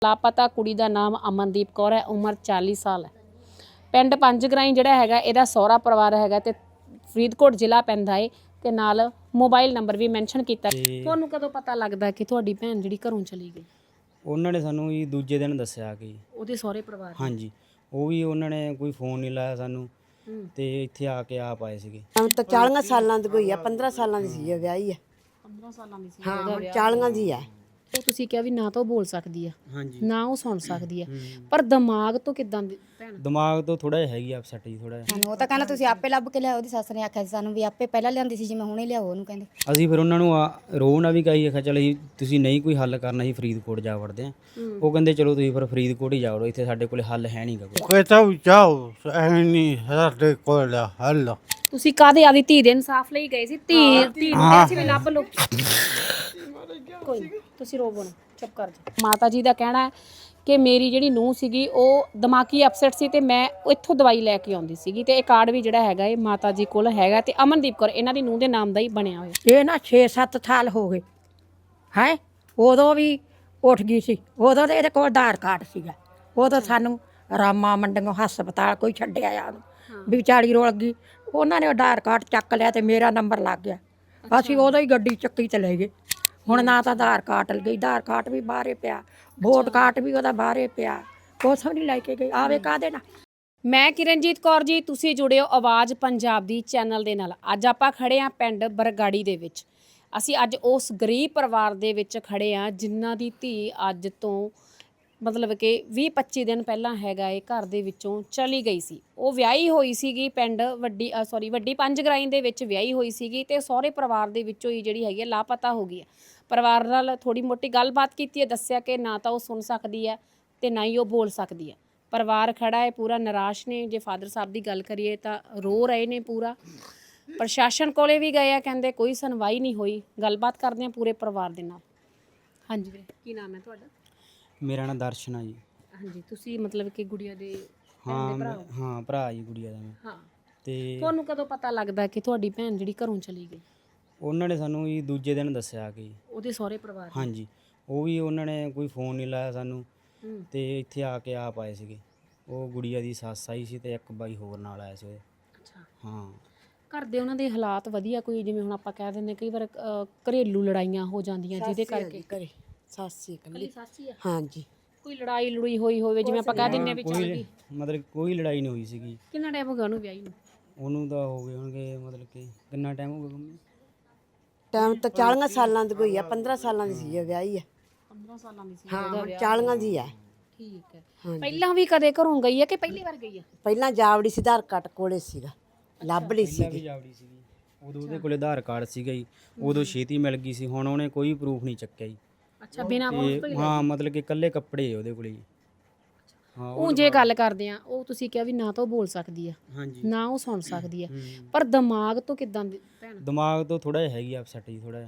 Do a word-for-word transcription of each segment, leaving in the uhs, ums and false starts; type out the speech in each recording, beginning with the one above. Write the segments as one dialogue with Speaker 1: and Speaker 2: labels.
Speaker 1: ਲਾਪਤਾ ਕੁੜੀ ਦਾ ਨਾਮ ਅਮਨਦੀਪ ਕੌਰ ਹੈ, ਉਮਰ ਚਾਲੀ ਸਾਲ ਹੈ। ਪਿੰਡ ਪੰਜਗਰਾਈ ਜਿਹੜਾ ਹੈਗਾ ਇਹਦਾ ਸਹੁਰਾ ਪਰਿਵਾਰ ਹੈਗਾ ਤੇ ਫਰੀਦਕੋਟ ਜ਼ਿਲ੍ਹਾ ਪੈਂਦਾ ਹੈ ਤੇ ਨਾਲ ਮੋਬਾਈਲ ਨੰਬਰ ਵੀ ਮੈਂਸ਼ਨ ਕੀਤਾ। ਤੁਹਾਨੂੰ ਕਦੋਂ ਪਤਾ ਲੱਗਦਾ ਕਿ ਤੁਹਾਡੀ ਭੈਣ ਜਿਹੜੀ ਘਰੋਂ ਚਲੀ ਗਈ?
Speaker 2: ਉਹਨਾਂ ਨੇ ਸਾਨੂੰ ਜੀ ਦੂਜੇ ਦਿਨ ਦੱਸਿਆ ਕਿ
Speaker 1: ਉਹਦੇ ਸਹੁਰੇ ਪਰਿਵਾਰ?
Speaker 2: ਹਾਂਜੀ, ਉਹ ਵੀ ਉਹਨਾਂ ਨੇ ਕੋਈ ਫੋਨ ਨਹੀਂ ਲਾਇਆ ਸਾਨੂੰ ਤੇ ਇੱਥੇ ਆ ਕੇ ਆਪ ਆਏ ਸੀਗੇ।
Speaker 3: ਹੁਣ ਤਾਂ ਚਾਲੀਆਂ ਸਾਲਾਂ ਦੀ ਹੋਈ ਆ, ਪੰਦਰਾਂ ਸਾਲਾਂ ਦੀ ਸੀ ਵਿਆਹੀ ਆ।
Speaker 1: ਪੰਦਰਾਂ ਸਾਲਾਂ ਦੀ ਸੀ
Speaker 3: ਹਾਂ, ਹੁਣ ਚਾਲੀਆਂ ਦੀ ਆ।
Speaker 1: ਉਹ ਤੁਸੀਂ ਕਿਹਾ ਵੀ ਨਾ ਤਾਂ ਉਹ ਬੋਲ ਸਕਦੀ ਆ,
Speaker 2: ਹਾਂਜੀ,
Speaker 1: ਨਾ ਉਹ ਸੁਣ ਸਕਦੀ ਆ, ਪਰ ਦਿਮਾਗ ਤੋਂ ਕਿਦਾਂ ਦੀ ਭੈਣ?
Speaker 2: ਦਿਮਾਗ ਤੋਂ ਥੋੜਾ ਜਿਹਾ ਹੈਗੀ ਅਪਸੈਟ ਜੀ ਥੋੜਾ ਜਿਹਾ।
Speaker 4: ਸਾਨੂੰ ਉਹ ਤਾਂ ਕਹਿੰਦਾ ਤੁਸੀਂ ਆਪੇ ਲੱਭ ਕੇ ਲਿਆਓ। ਉਹਦੀ ਸੱਸ ਨੇ ਆਖਿਆ ਸੀ ਸਾਨੂੰ ਵੀ ਆਪੇ ਪਹਿਲਾਂ ਲਿਆਂਦੀ ਸੀ, ਜਿਵੇਂ ਹੁਣੇ ਲਿਆਓ ਉਹਨੂੰ ਕਹਿੰਦੇ।
Speaker 2: ਅਸੀਂ ਫਿਰ ਉਹਨਾਂ ਨੂੰ ਰੋਣਾ ਵੀ ਕਹੀ ਆਖਿਆ ਚਲ ਅਸੀਂ ਤੁਸੀਂ ਨਹੀਂ ਕੋਈ ਹੱਲ ਕਰਨਾ ਸੀ ਫਰੀਦਕੋਟ ਜਾ ਵੜਦੇ ਆ। ਉਹ ਕਹਿੰਦੇ ਚਲੋ ਤੁਸੀਂ ਫਿਰ ਫਰੀਦਕੋਟ ਹੀ ਜਾ ਵੜੋ, ਇੱਥੇ ਸਾਡੇ ਕੋਲ ਹੱਲ ਹੈ ਨਹੀਂਗਾ ਕੋਈ।
Speaker 5: ਕਹਿੰਦਾ ਵੀ ਜਾਓ, ਐਵੇਂ ਨਹੀਂ ਸਾਡੇ ਕੋਲ ਹੱਲ।
Speaker 1: ਤੁਸੀਂ ਕਾਹਦੇ ਆਦੀ ਧੀ ਦੇ ਇਨਸਾਫ ਲਈ ਗਏ ਸੀ? ਧੀ ਧੀ ਨੂੰ ਕਿਹਾ ਸੀ ਵੀ ਲੱਭ ਲਓ। ਕੋਈ ਨੀ, ਤੁਸੀਂ ਰੋਵੋ ਨਾ, ਚੁੱਪ ਕਰ ਜਾ। ਮਾਤਾ ਜੀ ਦਾ ਕਹਿਣਾ ਹੈ ਕਿ ਮੇਰੀ ਜਿਹੜੀ ਨੂੰਹ ਸੀਗੀ ਉਹ ਦਿਮਾਗੀ ਅਪਸੈਟ ਸੀ ਤੇ ਮੈਂ ਇੱਥੋਂ ਦਵਾਈ ਲੈ ਕੇ ਆਉਂਦੀ ਸੀਗੀ ਤੇ ਇਹ ਕਾਰਡ ਵੀ ਜਿਹੜਾ ਹੈਗਾ ਇਹ ਮਾਤਾ ਜੀ ਕੋਲ ਹੈਗਾ ਤੇ ਅਮਨਦੀਪ ਕੌਰ ਇਹਨਾਂ ਦੀ ਨੂੰਹ ਦੇ ਨਾਮ ਦਾ ਹੀ ਬਣਿਆ ਹੋਇਆ।
Speaker 6: ਇਹ ਨਾ ਛੇ ਸੱਤ ਸਾਲ ਹੋ ਗਏ ਹੈ, ਉਦੋਂ ਵੀ ਉੱਠ ਗਈ ਸੀ। ਉਦੋਂ ਤੇ ਇਹਦੇ ਕੋਲ ਆਧਾਰ ਕਾਰਡ ਸੀਗਾ। ਉਦੋਂ ਸਾਨੂੰ ਰਾਮਾ ਮੰਡੀੋਂ ਹਸਪਤਾਲ ਕੋਈ ਛੱਡਿਆ ਆ ਉਹਨੂੰ ਵੀ ਵਿਚਾਰੀ ਰੋਲ ਗਈ। ਉਹਨਾਂ ਨੇ ਆਧਾਰ ਕਾਰਡ ਚੱਕ ਲਿਆ ਤੇ ਮੇਰਾ ਨੰਬਰ ਲੱਗ ਗਿਆ। ਅਸੀਂ ਉਦੋਂ ਹੀ ਗੱਡੀ ਚੱਕੀ ਤੇ ਲੈ ਗਏ। ਹੁਣ ਨਾ ਤਾਂ ਆਧਾਰ ਕਾਰਡ ਗਈ, ਆਧਾਰ ਕਾਰਡ ਵੀ ਬਾਹਰੇ ਪਿਆ, ਵੋਟ ਕਾਰਡ ਵੀ ਉਹਦਾ ਬਾਹਰੇ ਪਿਆ, ਕੁਛ ਨਹੀਂ ਲੈ ਕੇ ਗਈ। ਆਵੇ ਕਾਹਦੇ ਨਾਲ?
Speaker 1: ਮੈਂ ਕਿਰਨਜੀਤ ਕੌਰ ਜੀ, ਤੁਸੀਂ ਜੁੜੇ ਹੋ ਆਵਾਜ਼ ਪੰਜਾਬ ਦੀ ਚੈਨਲ ਦੇ ਨਾਲ। ਅੱਜ ਆਪਾਂ ਖੜੇ ਆ ਪਿੰਡ ਬਰਗਾੜੀ ਦੇ ਵਿੱਚ। ਅਸੀਂ ਅੱਜ ਉਸ ਗਰੀਬ ਪਰਿਵਾਰ ਦੇ ਵਿੱਚ ਖੜੇ ਆ ਜਿਨ੍ਹਾਂ ਦੀ ਧੀ ਅੱਜ ਤੋਂ ਮਤਲਬ ਕਿ ਵੀਹ ਪੱਚੀ ਦਿਨ ਪਹਿਲਾਂ ਹੈਗਾ ਇਹ ਘਰ ਦੇ ਵਿੱਚੋਂ ਚਲੀ ਗਈ ਸੀ। ਉਹ ਵਿਆਹੀ ਹੋਈ ਸੀਗੀ ਪਿੰਡ ਵੱਡੀ ਸੌਰੀ ਵੱਡੀ ਪੰਜਗਰਾਈ ਦੇ ਵਿੱਚ ਵਿਆਹੀ ਹੋਈ ਸੀਗੀ ਤੇ ਸਹੁਰੇ ਪਰਿਵਾਰ ਦੇ ਵਿੱਚੋਂ ਹੀ ਜਿਹੜੀ ਹੈਗੀ ਲਾਪਤਾ ਹੋ ਗਈ ਹੈ। ਪਰਿਵਾਰ ਨਾਲ ਥੋੜੀ ਮੋਟੀ ਗੱਲਬਾਤ ਕੀਤੀ ਹੈ, ਦੱਸਿਆ ਕਿ ਨਾ ਤਾਂ ਉਹ ਸੁਣ ਸਕਦੀ ਹੈ ਤੇ ਨਾ ਹੀ ਉਹ ਬੋਲ ਸਕਦੀ ਹੈ। ਪਰਿਵਾਰ ਖੜਾ ਹੈ ਪੂਰਾ ਨਿਰਾਸ਼ ਨੇ। ਜੇ ਫਾਦਰ ਸਾਹਿਬ ਦੀ ਗੱਲ ਕਰੀਏ ਤਾਂ ਰੋ ਰਹੇ ਨੇ ਪੂਰਾ। ਪ੍ਰਸ਼ਾਸਨ ਕੋਲੇ ਵੀ ਗਏ ਆ, ਕਹਿੰਦੇ ਕੋਈ ਸੁਣਵਾਈ ਨਹੀਂ ਹੋਈ। ਗੱਲਬਾਤ ਕਰਦੇ ਆ ਪੂਰੇ ਪਰਿਵਾਰ ਦੇ ਨਾਲ। ਹਾਂਜੀ ਵੀਰੇ, ਕੀ ਨਾਮ ਹੈ ਤੁਹਾਡਾ?
Speaker 2: ਮੇਰਾ ਨਾਂ ਦਰਸ਼ਨ ਆ ਜੀ।
Speaker 1: ਹਾਂਜੀ, ਤੁਸੀਂ ਮਤਲਬ ਕਿ ਗੁੜੀਆ ਦੇ
Speaker 2: ਹਾਂ ਹਾਂ ਭਰਾ ਜੀ ਗੁੜੀਆ ਦਾ ਮੈਂ।
Speaker 1: ਹਾਂ,
Speaker 2: ਤੇ
Speaker 1: ਤੁਹਾਨੂੰ ਕਦੋਂ ਪਤਾ ਲੱਗਦਾ ਕਿ ਤੁਹਾਡੀ ਭੈਣ ਜਿਹੜੀ ਘਰੋਂ ਚਲੀ ਗਈ?
Speaker 2: ਉਹਨਾਂ ਨੇ ਸਾਨੂੰ ਜੀ ਦੂਜੇ ਦਿਨ ਦੱਸਿਆ ਕਿ
Speaker 1: ਉਹਦੇ ਸਹੁਰੇ ਪਰਿਵਾਰ?
Speaker 2: ਹਾਂਜੀ, ਉਹ ਵੀ ਉਹਨਾਂ ਨੇ ਕੋਈ ਫੋਨ ਨਹੀਂ ਲਾਇਆ ਸਾਨੂੰ ਤੇ ਇੱਥੇ ਆ ਕੇ ਆਪ ਆਏ ਸੀਗੇ। ਉਹ ਗੁੜੀਆ ਦੀ ਸੱਸ ਆਈ ਸੀ ਤੇ ਇੱਕ ਬਾਈ ਹੋਰ ਨਾਲ ਆਇਆ ਸੀ ਉਹਦੇ।
Speaker 1: ਅੱਛਾ, ਹਾਂ। ਘਰ ਦੇ ਉਹਨਾਂ ਦੇ ਹਾਲਾਤ ਵਧੀਆ? ਕੋਈ ਜਿਵੇਂ ਹੁਣ ਆਪਾਂ ਕਹਿ ਦਿੰਦੇ ਕਈ ਵਾਰ ਅ, ਘਰੇਲੂ ਲੜਾਈਆਂ ਹੋ ਜਾਂਦੀਆਂ ਜਿਹਦੇ ਕਰਕੇ?
Speaker 3: ਘਰੇ ਸਾਸੀ
Speaker 1: ਕੱਲੀ ਸਾਸੀ ਆ?
Speaker 3: ਹਾਂਜੀ।
Speaker 1: ਕੋਈ ਲੜਾਈ ਲੜੂਈ ਹੋਈ ਹੋਵੇ ਜਿਵੇਂ ਆਪਾਂ ਕਹਿ ਦਿੰਦੇ ਵੀ ਚੱਲ ਗਈ?
Speaker 2: ਮਤਲਬ ਕੋਈ ਲੜਾਈ ਨਹੀਂ ਹੋਈ ਸੀਗੀ।
Speaker 1: ਕਿੰਨਾ ਟਾਈਮ ਹੋ ਗਿਆ ਉਹਨੂੰ ਵਿਆਹੀ ਨੂੰ?
Speaker 2: ਉਹਨੂੰ ਤਾਂ ਹੋ ਗਏ ਹੋਣਗੇ ਮਤਲਬ ਕਿ ਕਿੰਨਾ ਟਾਈਮ ਹੋ ਗਿਆ ਮੰਮੀ?
Speaker 3: ਟਾਈਮ ਤਾਂ ਚਾਲੀਆਂ ਸਾਲਾਂ ਦੀ ਹੋਈ ਆ, ਪੰਦਰਾਂ ਸਾਲਾਂ ਦੀ ਸੀ ਵਿਆਹੀ ਆ।
Speaker 1: ਪੰਦਰਾਂ ਸਾਲਾਂ ਦੀ ਸੀ
Speaker 3: ਹਾਂ, ਹੁਣ ਚਾਲੀਆਂ ਦੀ ਆ।
Speaker 1: ਠੀਕ ਹੈ। ਪਹਿਲਾਂ ਵੀ ਕਦੇ ਘਰੋਂ ਗਈ ਹੈ ਕਿ ਪਹਿਲੀ ਵਾਰ ਗਈ ਹੈ?
Speaker 3: ਪਹਿਲਾਂ ਜਾਵੜੀ ਸੀ, ਆਧਾਰ ਕਾਰਡ ਕੋਲੇ ਸੀਗਾ, ਲੱਭ ਲਈ
Speaker 2: ਪਹਿਲਾਂ ਵੀ
Speaker 3: ਸੀ।
Speaker 2: ਜਾਵੜੀ ਸੀਗੀ, ਉਦੋਂ ਉਹਦੇ ਕੋਲੇ ਆਧਾਰ ਕਾਰਡ ਸੀਗਾ ਜੀ, ਉਦੋਂ ਛੇਤੀ ਮਿਲ ਗਈ ਸੀ। ਹੁਣ ਉਹਨੇ ਕੋਈ ਪ੍ਰੂਫ ਨਹੀਂ ਚੱਕਿਆ ਜੀ।
Speaker 1: ਅੱਛਾ, ਬਿਨਾਂ ਪ੍ਰੂਫ ਤੋਂ ਹੀ?
Speaker 2: ਹਾਂ, ਮਤਲਬ ਕਿ ਇਕੱਲੇ ਕੱਪੜੇ ਉਹਦੇ ਕੋਲੇ ਜੀ। ਹਾਂ,
Speaker 1: ਉਹ ਜੇ ਗੱਲ ਕਰਦੇ ਆ, ਉਹ ਤੁਸੀਂ ਕਿਹਾ ਵੀ ਨਾ ਤਾਂ ਉਹ ਬੋਲ ਸਕਦੀ ਆ,
Speaker 2: ਹਾਂਜੀ,
Speaker 1: ਨਾ ਉਹ ਸੁਣ ਸਕਦੀ ਆ, ਪਰ ਦਿਮਾਗ ਤੋਂ ਕਿਦਾਂ ਦੀ ਭੈਣ?
Speaker 2: ਦਿਮਾਗ ਤੋਂ ਥੋੜਾ ਜਿਹਾ ਹੈਗੀ ਅਪਸੈਟ ਜੀ ਥੋੜਾ ਜਿਹਾ।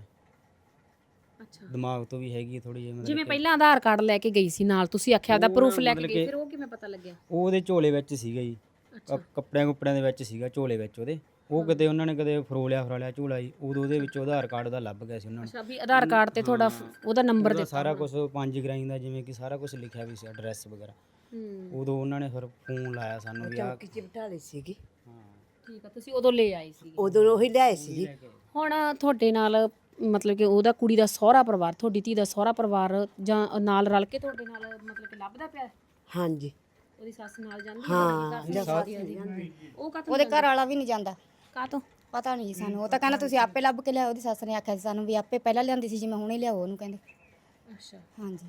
Speaker 1: ਅੱਛਾ,
Speaker 2: ਦਿਮਾਗ ਤੋਂ ਵੀ ਹੈਗੀ ਥੋੜੀ ਜਿਹੀ।
Speaker 1: ਜਿਵੇਂ ਪਹਿਲਾਂ ਆਧਾਰ ਕਾਰਡ ਲੈ ਕੇ ਗਈ ਸੀ ਨਾਲ, ਤੁਸੀਂ ਆਖਿਆ ਦਾ ਪ੍ਰੂਫ ਲੈ ਕੇ ਗਈ, ਫਿਰ ਉਹ ਕਿਵੇਂ ਪਤਾ ਲੱਗਿਆ?
Speaker 2: ਉਹ ਉਹਦੇ ਝੋਲੇ ਵਿੱਚ ਸੀਗਾ ਜੀ, ਕੱਪੜਿਆਂ ਕੁੱਪੜਿਆਂ ਦੇ ਵਿੱਚ ਸੀਗਾ, ਝੋਲੇ ਵਿੱਚ ਉਹਦੇ। ਉਹ ਕਿਤੇ ਉਹਨਾਂ ਨੇ ਕਦੇ ਫਰੋਲਿਆ ਫਰੋਲਿਆ ਝੋਲਾ ਜੀ, ਉਦੋਂ ਉਹਦੇ ਵਿੱਚ ਆਧਾਰ ਕਾਰਡ ਉਹਦਾ ਲੱਭ ਗਿਆ ਸੀ ਉਹਨਾਂ ਨੂੰ।
Speaker 1: ਅੱਛਾ, ਵੀ ਆਧਾਰ ਕਾਰਡ ਤੇ ਤੁਹਾਡਾ ਉਹਦਾ ਨੰਬਰ ਦਿੱਤਾ
Speaker 2: ਸਾਰਾ ਕੁਝ ਪੰਜਗਰਾਈ ਦਾ, ਜਿਵੇਂ ਕਿ ਸਾਰਾ ਕੁਝ ਲਿਖਿਆ ਵੀ ਸੀ, ਐਡਰੈਸ ਵਗੈਰਾ। ਉਦੋਂ ਉਹਨਾਂ ਨੇ ਫਿਰ ਫੋਨ ਲਾਇਆ ਸਾਨੂੰ ਵੀ ਆ।
Speaker 3: ਚੌਕੀ ਚ ਬਿਠਾ ਲਈ ਸੀਗੀ।
Speaker 2: ਹਾਂ,
Speaker 1: ਠੀਕ ਆ, ਤੁਸੀਂ ਉਦੋਂ ਲੈ ਆਏ ਸੀ?
Speaker 3: ਉਦੋਂ ਉਹੀ ਲਿਆਏ ਸੀ ਜੀ।
Speaker 1: ਹੁਣ ਤੁਹਾਡੇ ਨਾਲ ਮਤਲਬ ਕਿ ਉਹਦਾ ਕੁੜੀ ਦਾ ਸਹੁਰਾ ਪਰਿਵਾਰ, ਤੁਹਾਡੀ ਧੀ ਦਾ ਸਹੁਰਾ ਪਰਿਵਾਰ ਜਾਂ ਨਾਲ ਰਲ ਕੇ ਤੁਹਾਡੇ ਨਾਲ ਮਤਲਬ ਕਿ ਲੱਭਦਾ ਪਿਆ?
Speaker 3: ਹਾਂਜੀ।
Speaker 1: ਉਹਦੀ ਸੱਸ ਨਾਲ ਜਾਂਦੀ?
Speaker 3: ਹਾਂ,
Speaker 1: ਉਹ ਕਾਹਤੋਂ?
Speaker 4: ਉਹਦੇ ਘਰ ਵਾਲਾ ਵੀ ਨਹੀਂ ਜਾਂਦਾ।
Speaker 1: ਕਾਹਤੋਂ?
Speaker 4: ਪਤਾ ਨਹੀਂ ਜੀ ਸਾਨੂੰ। ਉਹ ਤਾਂ ਕਹਿੰਦਾ ਤੁਸੀਂ ਆਪੇ ਲੱਭ ਕੇ ਲਿਆਓ। ਉਹਦੀ ਸੱਸ ਨੇ ਆਖਿਆ ਸੀ ਸਾਨੂੰ ਵੀ ਆਪੇ ਪਹਿਲਾਂ ਲਿਆਂਦੀ ਸੀ, ਜਿਵੇਂ ਹੁਣੇ ਲਿਆਓ ਉਹਨੂੰ ਕਹਿੰਦੇ।
Speaker 1: ਅੱਛਾ,
Speaker 4: ਹਾਂਜੀ,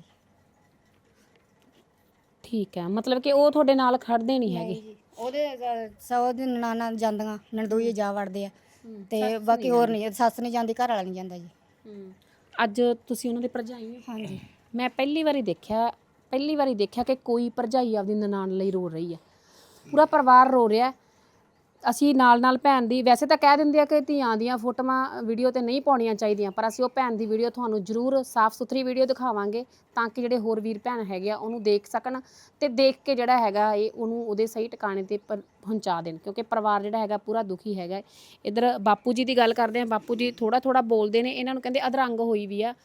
Speaker 1: ਠੀਕ ਹੈ। ਮਤਲਬ ਕਿ ਉਹ ਤੁਹਾਡੇ ਨਾਲ ਖੜਦੇ ਨਹੀਂ ਹੈਗੇ?
Speaker 4: ਉਹਦੇ ਸੌ ਦੀ ਨਨਾਣਾ ਜਾਂਦੀਆਂ, ਨਣਦੋਈਏ ਜਾ ਵੜਦੇ ਆ ਤੇ ਬਾਕੀ ਹੋਰ ਨਹੀਂ। ਸੱਸ ਨਹੀਂ ਜਾਂਦੀ, ਘਰ ਵਾਲਾ ਨਹੀਂ ਜਾਂਦਾ ਜੀ।
Speaker 1: ਅੱਜ ਤੁਸੀਂ ਉਹਨਾਂ ਦੇ ਭਰਜਾਈ ਹੋ?
Speaker 4: ਹਾਂਜੀ।
Speaker 1: ਮੈਂ ਪਹਿਲੀ ਵਾਰੀ ਦੇਖਿਆ ਪਹਿਲੀ ਵਾਰੀ ਦੇਖਿਆ ਕਿ ਕੋਈ ਭਰਜਾਈ ਆਪਦੀ ਨਨਾਣ ਲਈ ਰੋ ਰਹੀ ਹੈ। ਪੂਰਾ ਪਰਿਵਾਰ ਰੋ ਰਿਹਾ। ਅਸੀਂ ਨਾਲ ਨਾਲ ਭੈਣ ਦੀ, ਵੈਸੇ ਤਾਂ ਕਹਿ ਦਿੰਦੇ ਆ ਕਿ ਧੀਆਂ ਦੀਆਂ ਫੋਟੋਆਂ ਵੀਡੀਓ ਤੇ ਨਹੀਂ ਪਾਉਣੀਆਂ ਚਾਹੀਦੀਆਂ, ਪਰ ਅਸੀਂ ਉਹ ਭੈਣ ਦੀ ਵੀਡੀਓ ਤੁਹਾਨੂੰ ਜ਼ਰੂਰ ਸਾਫ਼ ਸੁਥਰੀ ਵੀਡੀਓ ਦਿਖਾਵਾਂਗੇ ਤਾਂ ਕਿ ਜਿਹੜੇ ਹੋਰ ਵੀਰ ਭੈਣ ਹੈਗੇ ਆ ਉਹਨੂੰ ਦੇਖ ਸਕਣ ਤੇ ਦੇਖ ਕੇ ਜਿਹੜਾ ਹੈਗਾ ਇਹ ਉਹਨੂੰ ਉਹਦੇ ਸਹੀ ਟਿਕਾਣੇ ਤੇ ਪਹੁੰਚਾ ਦੇਣ, ਕਿਉਂਕਿ ਪਰਿਵਾਰ ਜਿਹੜਾ ਹੈਗਾ ਪੂਰਾ ਦੁਖੀ ਹੈਗਾ। ਇੱਧਰ ਬਾਪੂ ਜੀ ਦੀ ਗੱਲ ਕਰਦੇ ਆ। ਬਾਪੂ ਜੀ ਥੋੜਾ ਥੋੜਾ ਬੋਲਦੇ ਨੇ। ਇਹਨਾਂ ਨੂੰ ਕਹਿੰਦੇ ਅਧਰੰਗ ਹੋਈ ਵੀ ਆ,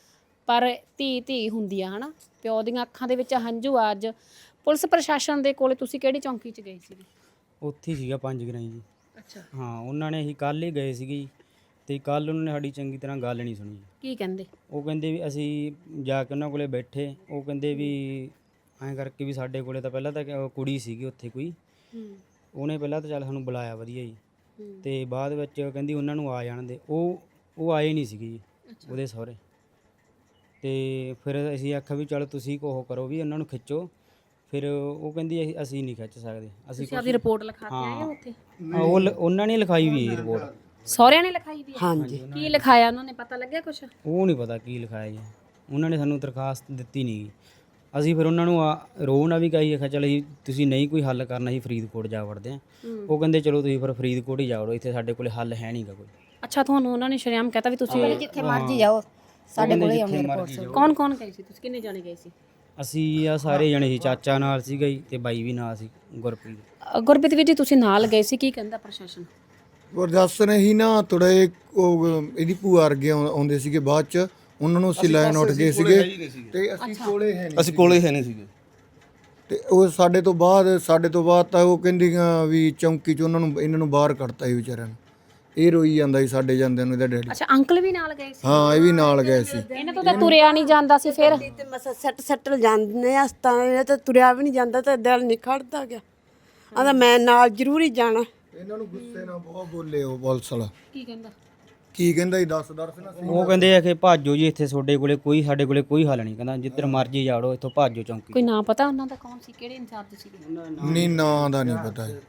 Speaker 1: ਪਰ ਧੀ ਧੀ ਹੁੰਦੀ ਆ ਹਨਾ, ਪਿਓ ਦੀਆਂ ਅੱਖਾਂ ਦੇ ਵਿੱਚ ਹੰਝੂ ਆ। ਅੱਜ ਪੁਲਿਸ ਪ੍ਰਸ਼ਾਸਨ ਦੇ ਕੋਲੇ ਤੁਸੀਂ ਕਿਹੜੀ ਚੌਂਕੀ 'ਚ ਗਏ ਸੀਗੇ?
Speaker 2: ਉੱਥੇ ਹੀ ਸੀਗਾ ਪੰਜ ਗਰਾਈ ਜੀ।
Speaker 1: ਅੱਛਾ,
Speaker 2: ਹਾਂ ਉਹਨਾਂ ਨੇ ਅਸੀਂ ਕੱਲ੍ਹ ਹੀ ਗਏ ਸੀਗੇ ਜੀ, ਤੇ ਕੱਲ੍ਹ ਉਹਨਾਂ ਨੇ ਸਾਡੀ ਚੰਗੀ ਤਰ੍ਹਾਂ ਗੱਲ ਨਹੀਂ ਸੁਣੀ ਜੀ।
Speaker 1: ਕੀ ਕਹਿੰਦੇ?
Speaker 2: ਉਹ ਕਹਿੰਦੇ ਵੀ ਅਸੀਂ ਜਾ ਕੇ ਉਹਨਾਂ ਕੋਲੇ ਬੈਠੇ, ਉਹ ਕਹਿੰਦੇ ਵੀ ਐਂ ਕਰਕੇ ਵੀ ਸਾਡੇ ਕੋਲੇ ਤਾਂ ਪਹਿਲਾਂ ਤਾਂ ਕਿ ਉਹ ਕੁੜੀ ਸੀਗੀ ਉੱਥੇ ਕੋਈ,
Speaker 1: ਹੂੰ
Speaker 2: ਉਹਨੇ ਪਹਿਲਾਂ ਤਾਂ ਚੱਲ ਸਾਨੂੰ ਬੁਲਾਇਆ ਵਧੀਆ ਜੀ,
Speaker 1: ਹੂੰ
Speaker 2: ਤੇ ਬਾਅਦ ਵਿੱਚ ਕਹਿੰਦੀ ਉਹਨਾਂ ਨੂੰ ਆ ਜਾਣ ਦੇ, ਉਹ ਉਹ ਆਏ ਨਹੀਂ ਸੀਗੇ ਜੀ ਉਹਦੇ ਸਹੁਰੇ। ਤੇ ਫਿਰ ਅਸੀਂ ਆਖਿਆ ਵੀ ਚਲ ਤੁਸੀਂ ਕੋਹ ਕਰੋ ਵੀ ਉਹਨਾਂ ਨੂੰ ਖਿੱਚੋ, ਫਿਰ ਉਹ ਕਹਿੰਦੀ ਅਸੀਂ- ਅਸੀਂ ਨਹੀਂ ਖਿੱਚ ਸਕਦੇ ਅਸੀਂ
Speaker 1: ਤੁਸੀਂ ਆਪਦੀ ਰਿਪੋਰਟ ਲਿਖਾ ਕੇ ਆਏ ਹੋ ਉੱਥੇ?
Speaker 2: ਹਾਂ, ਉਹ ਲ- ਉਹਨਾਂ ਨੇ ਲਿਖਾਈ ਵੀ ਹੈ ਰਿਪੋਰਟ।
Speaker 1: ਸਹੁਰਿਆਂ ਨੇ ਲਿਖਾਈ ਵੀ ਹੈ?
Speaker 3: ਹਾਂਜੀ
Speaker 1: ਕੀ ਲਿਖਾਇਆ ਉਹਨਾਂ ਨੇ, ਪਤਾ ਲੱਗਿਆ ਕੁਛ?
Speaker 2: ਉਹ ਨਹੀਂ ਪਤਾ ਕੀ ਲਿਖਾਇਆ ਜੀ, ਉਹਨਾਂ ਨੇ ਸਾਨੂੰ ਦਰਖਾਸਤ ਦਿੱਤੀ ਨਹੀਂ ਗੀ। ਅਸੀਂ ਫਿਰ ਉਹਨਾਂ ਨੂੰ ਆ ਰੋਹ ਨਾਲ ਵੀ ਕਹੀ ਆਖਿਆ ਚਲ ਅਸੀਂ ਤੁਸੀਂ ਨਹੀਂ ਕੋਈ ਹੱਲ ਕਰਨਾ ਅਸੀਂ ਫਰੀਦਕੋਟ ਜਾ ਵੜਦੇ ਹਾਂ। ਉਹ ਕਹਿੰਦੇ ਚਲੋ ਤੁਸੀਂ ਫਿਰ ਫਰੀਦਕੋਟ ਹੀ ਜਾ ਵੜੋ, ਇੱਥੇ ਸਾਡੇ ਕੋਲੇ ਹੱਲ ਹੈ ਨਹੀਂਗਾ ਕੋਈ।
Speaker 1: ਅੱਛਾ, ਤੁਹਾਨੂੰ ਉਹਨਾਂ ਨੇ ਸ਼ਰੇਆਮ ਕਹਤਾ ਵੀ ਤੁਸੀਂ
Speaker 4: ਜਿੱਥੇ ਮਰਜੀ ਜਾਓ ਸਾਡੇ ਕੋਲੇ ਆਉਣੀ ਰਿਪੋਰਟ।
Speaker 1: ਕੌਣ ਕੌਣ ਗਏ ਸੀ, ਤੁਸੀਂ ਕਿੰਨੇ ਜਾਣੇ ਗਏ ਸੀ?
Speaker 2: ਅਸੀਂ ਆ ਸਾਰੇ ਜਣੇ ਸੀ, ਚਾਚਾ ਨਾਲ ਸੀਗਾ ਜੀ ਤੇ ਬਾਈ ਵੀ ਨਾਲ ਸੀ ਗੁਰਪ੍ਰੀਤ।
Speaker 1: ਅ, ਗੁਰਪ੍ਰੀਤ ਵੀਰ ਜੀ ਤੁਸੀਂ ਨਾਲ ਗਏ ਸੀ, ਕੀ ਕਹਿੰਦਾ ਪ੍ਰਸ਼ਾਸਨ?
Speaker 7: ਗੁਰਦਾਸਨ ਹੀ ਨਾ ਥੋੜੇ ਉਹ ਇਹਦੀ ਭੂਆ ਵਰਗੇ ਆਉਂ- ਆਉਂਦੇ ਸੀਗੇ ਬਾਅਦ ਚ, ਉਹਨਾਂ ਨੂੰ ਅਸੀਂ ਲਾਈਨ ਉੱਠ ਗਏ ਸੀਗੇ ਤੇ ਅਸੀਂ ਕੋਲੇ ਹੈ ਨਹੀਂ
Speaker 5: ਅਸੀਂ ਕੋਲੇ ਹੈ ਨਹੀਂ ਸੀਗੇ।
Speaker 7: ਤੇ ਉਹ ਸਾਡੇ ਤੋਂ ਬਾਅਦ ਸਾਡੇ ਤੋਂ ਬਾਅਦ ਤਾਂ ਉਹ ਕਹਿੰਦੀਆਂ ਵੀ ਚੌਂਕੀ ਚ ਉਹਨਾਂ ਨੂੰ ਇਹਨਾਂ ਨੂੰ ਬਾਹਰ ਕੱਢਤਾ ਸੀ ਵਿਚਾਰਿਆਂ ਨੂੰ। ਇਹ ਰੋਈ ਜਾਂਦਾ ਸੀ ਸਾਡੇ ਜਾਂਦਿਆਂ ਨੂੰ ਇਹਦਾ ਡੈਡੀ।
Speaker 1: ਅੱਛਾ, ਅੰਕਲ ਵੀ ਨਾਲ ਗਏ ਸੀ?
Speaker 7: ਹਾਂ ਇਹ ਵੀ ਨਾਲ ਗਏ ਸੀ।
Speaker 1: ਇਹਨਾਂ ਤੋਂ ਤਾਂ ਤੁਰਿਆ ਨਹੀਂ ਜਾਂਦਾ ਸੀ ਫਿਰ?
Speaker 3: ਤੇ ਮਸਾ ਸੱਟ ਸੱਟਲ ਜਾਂਦੇ ਆ ਤਾਂ ਇਹ ਤਾਂ ਤੁਰਿਆ ਵੀ ਨਹੀਂ ਜਾਂਦਾ, ਤਾਂ ਦਿਲ ਨਹੀਂ ਖੜਦਾ ਗਿਆ। ਆਂਦਾ ਮੈਂ ਨਾਲ ਜ਼ਰੂਰ ਹੀ ਜਾਣਾ।
Speaker 7: ਇਹਨਾਂ ਨੂੰ ਗੁੱਸੇ ਨਾਲ ਬਹੁਤ ਬੋਲੇ ਉਹ ਪੁਲਿਸ ਵਾਲਾ।
Speaker 1: ਕੀ ਕਹਿੰਦਾ?
Speaker 7: ਕੀ ਕਹਿੰਦਾ ਸੀ ਦੱਸ ਦੱਸ ਨਾ।
Speaker 2: ਉਹ ਕਹਿੰਦੇ ਆ ਕਿ ਭਾਜੋ ਜੀ, ਇੱਥੇ ਤੁਹਾਡੇ ਕੋਲੇ ਕੋਈ ਸਾਡੇ ਕੋਲੇ ਕੋਈ ਹੱਲ ਨਹੀਂ, ਕਹਿੰਦਾ ਜਿੱਧਰ ਮਰਜੀ ਜਾੜੋ ਇੱਥੋਂ ਭਾਜੋ ਚੌਂਕੀ।
Speaker 1: ਕੋਈ ਨਾਂ ਪਤਾ ਉਹਨਾਂ ਦਾ ਕੌਣ ਸੀ, ਕਿਹੜੇ ਇੰਚਾਰਜ ਸੀਗੇ?
Speaker 7: ਨਹੀਂ ਨਾਂ ਦਾ ਨਹੀਂ ਪਤਾ ਹੈ।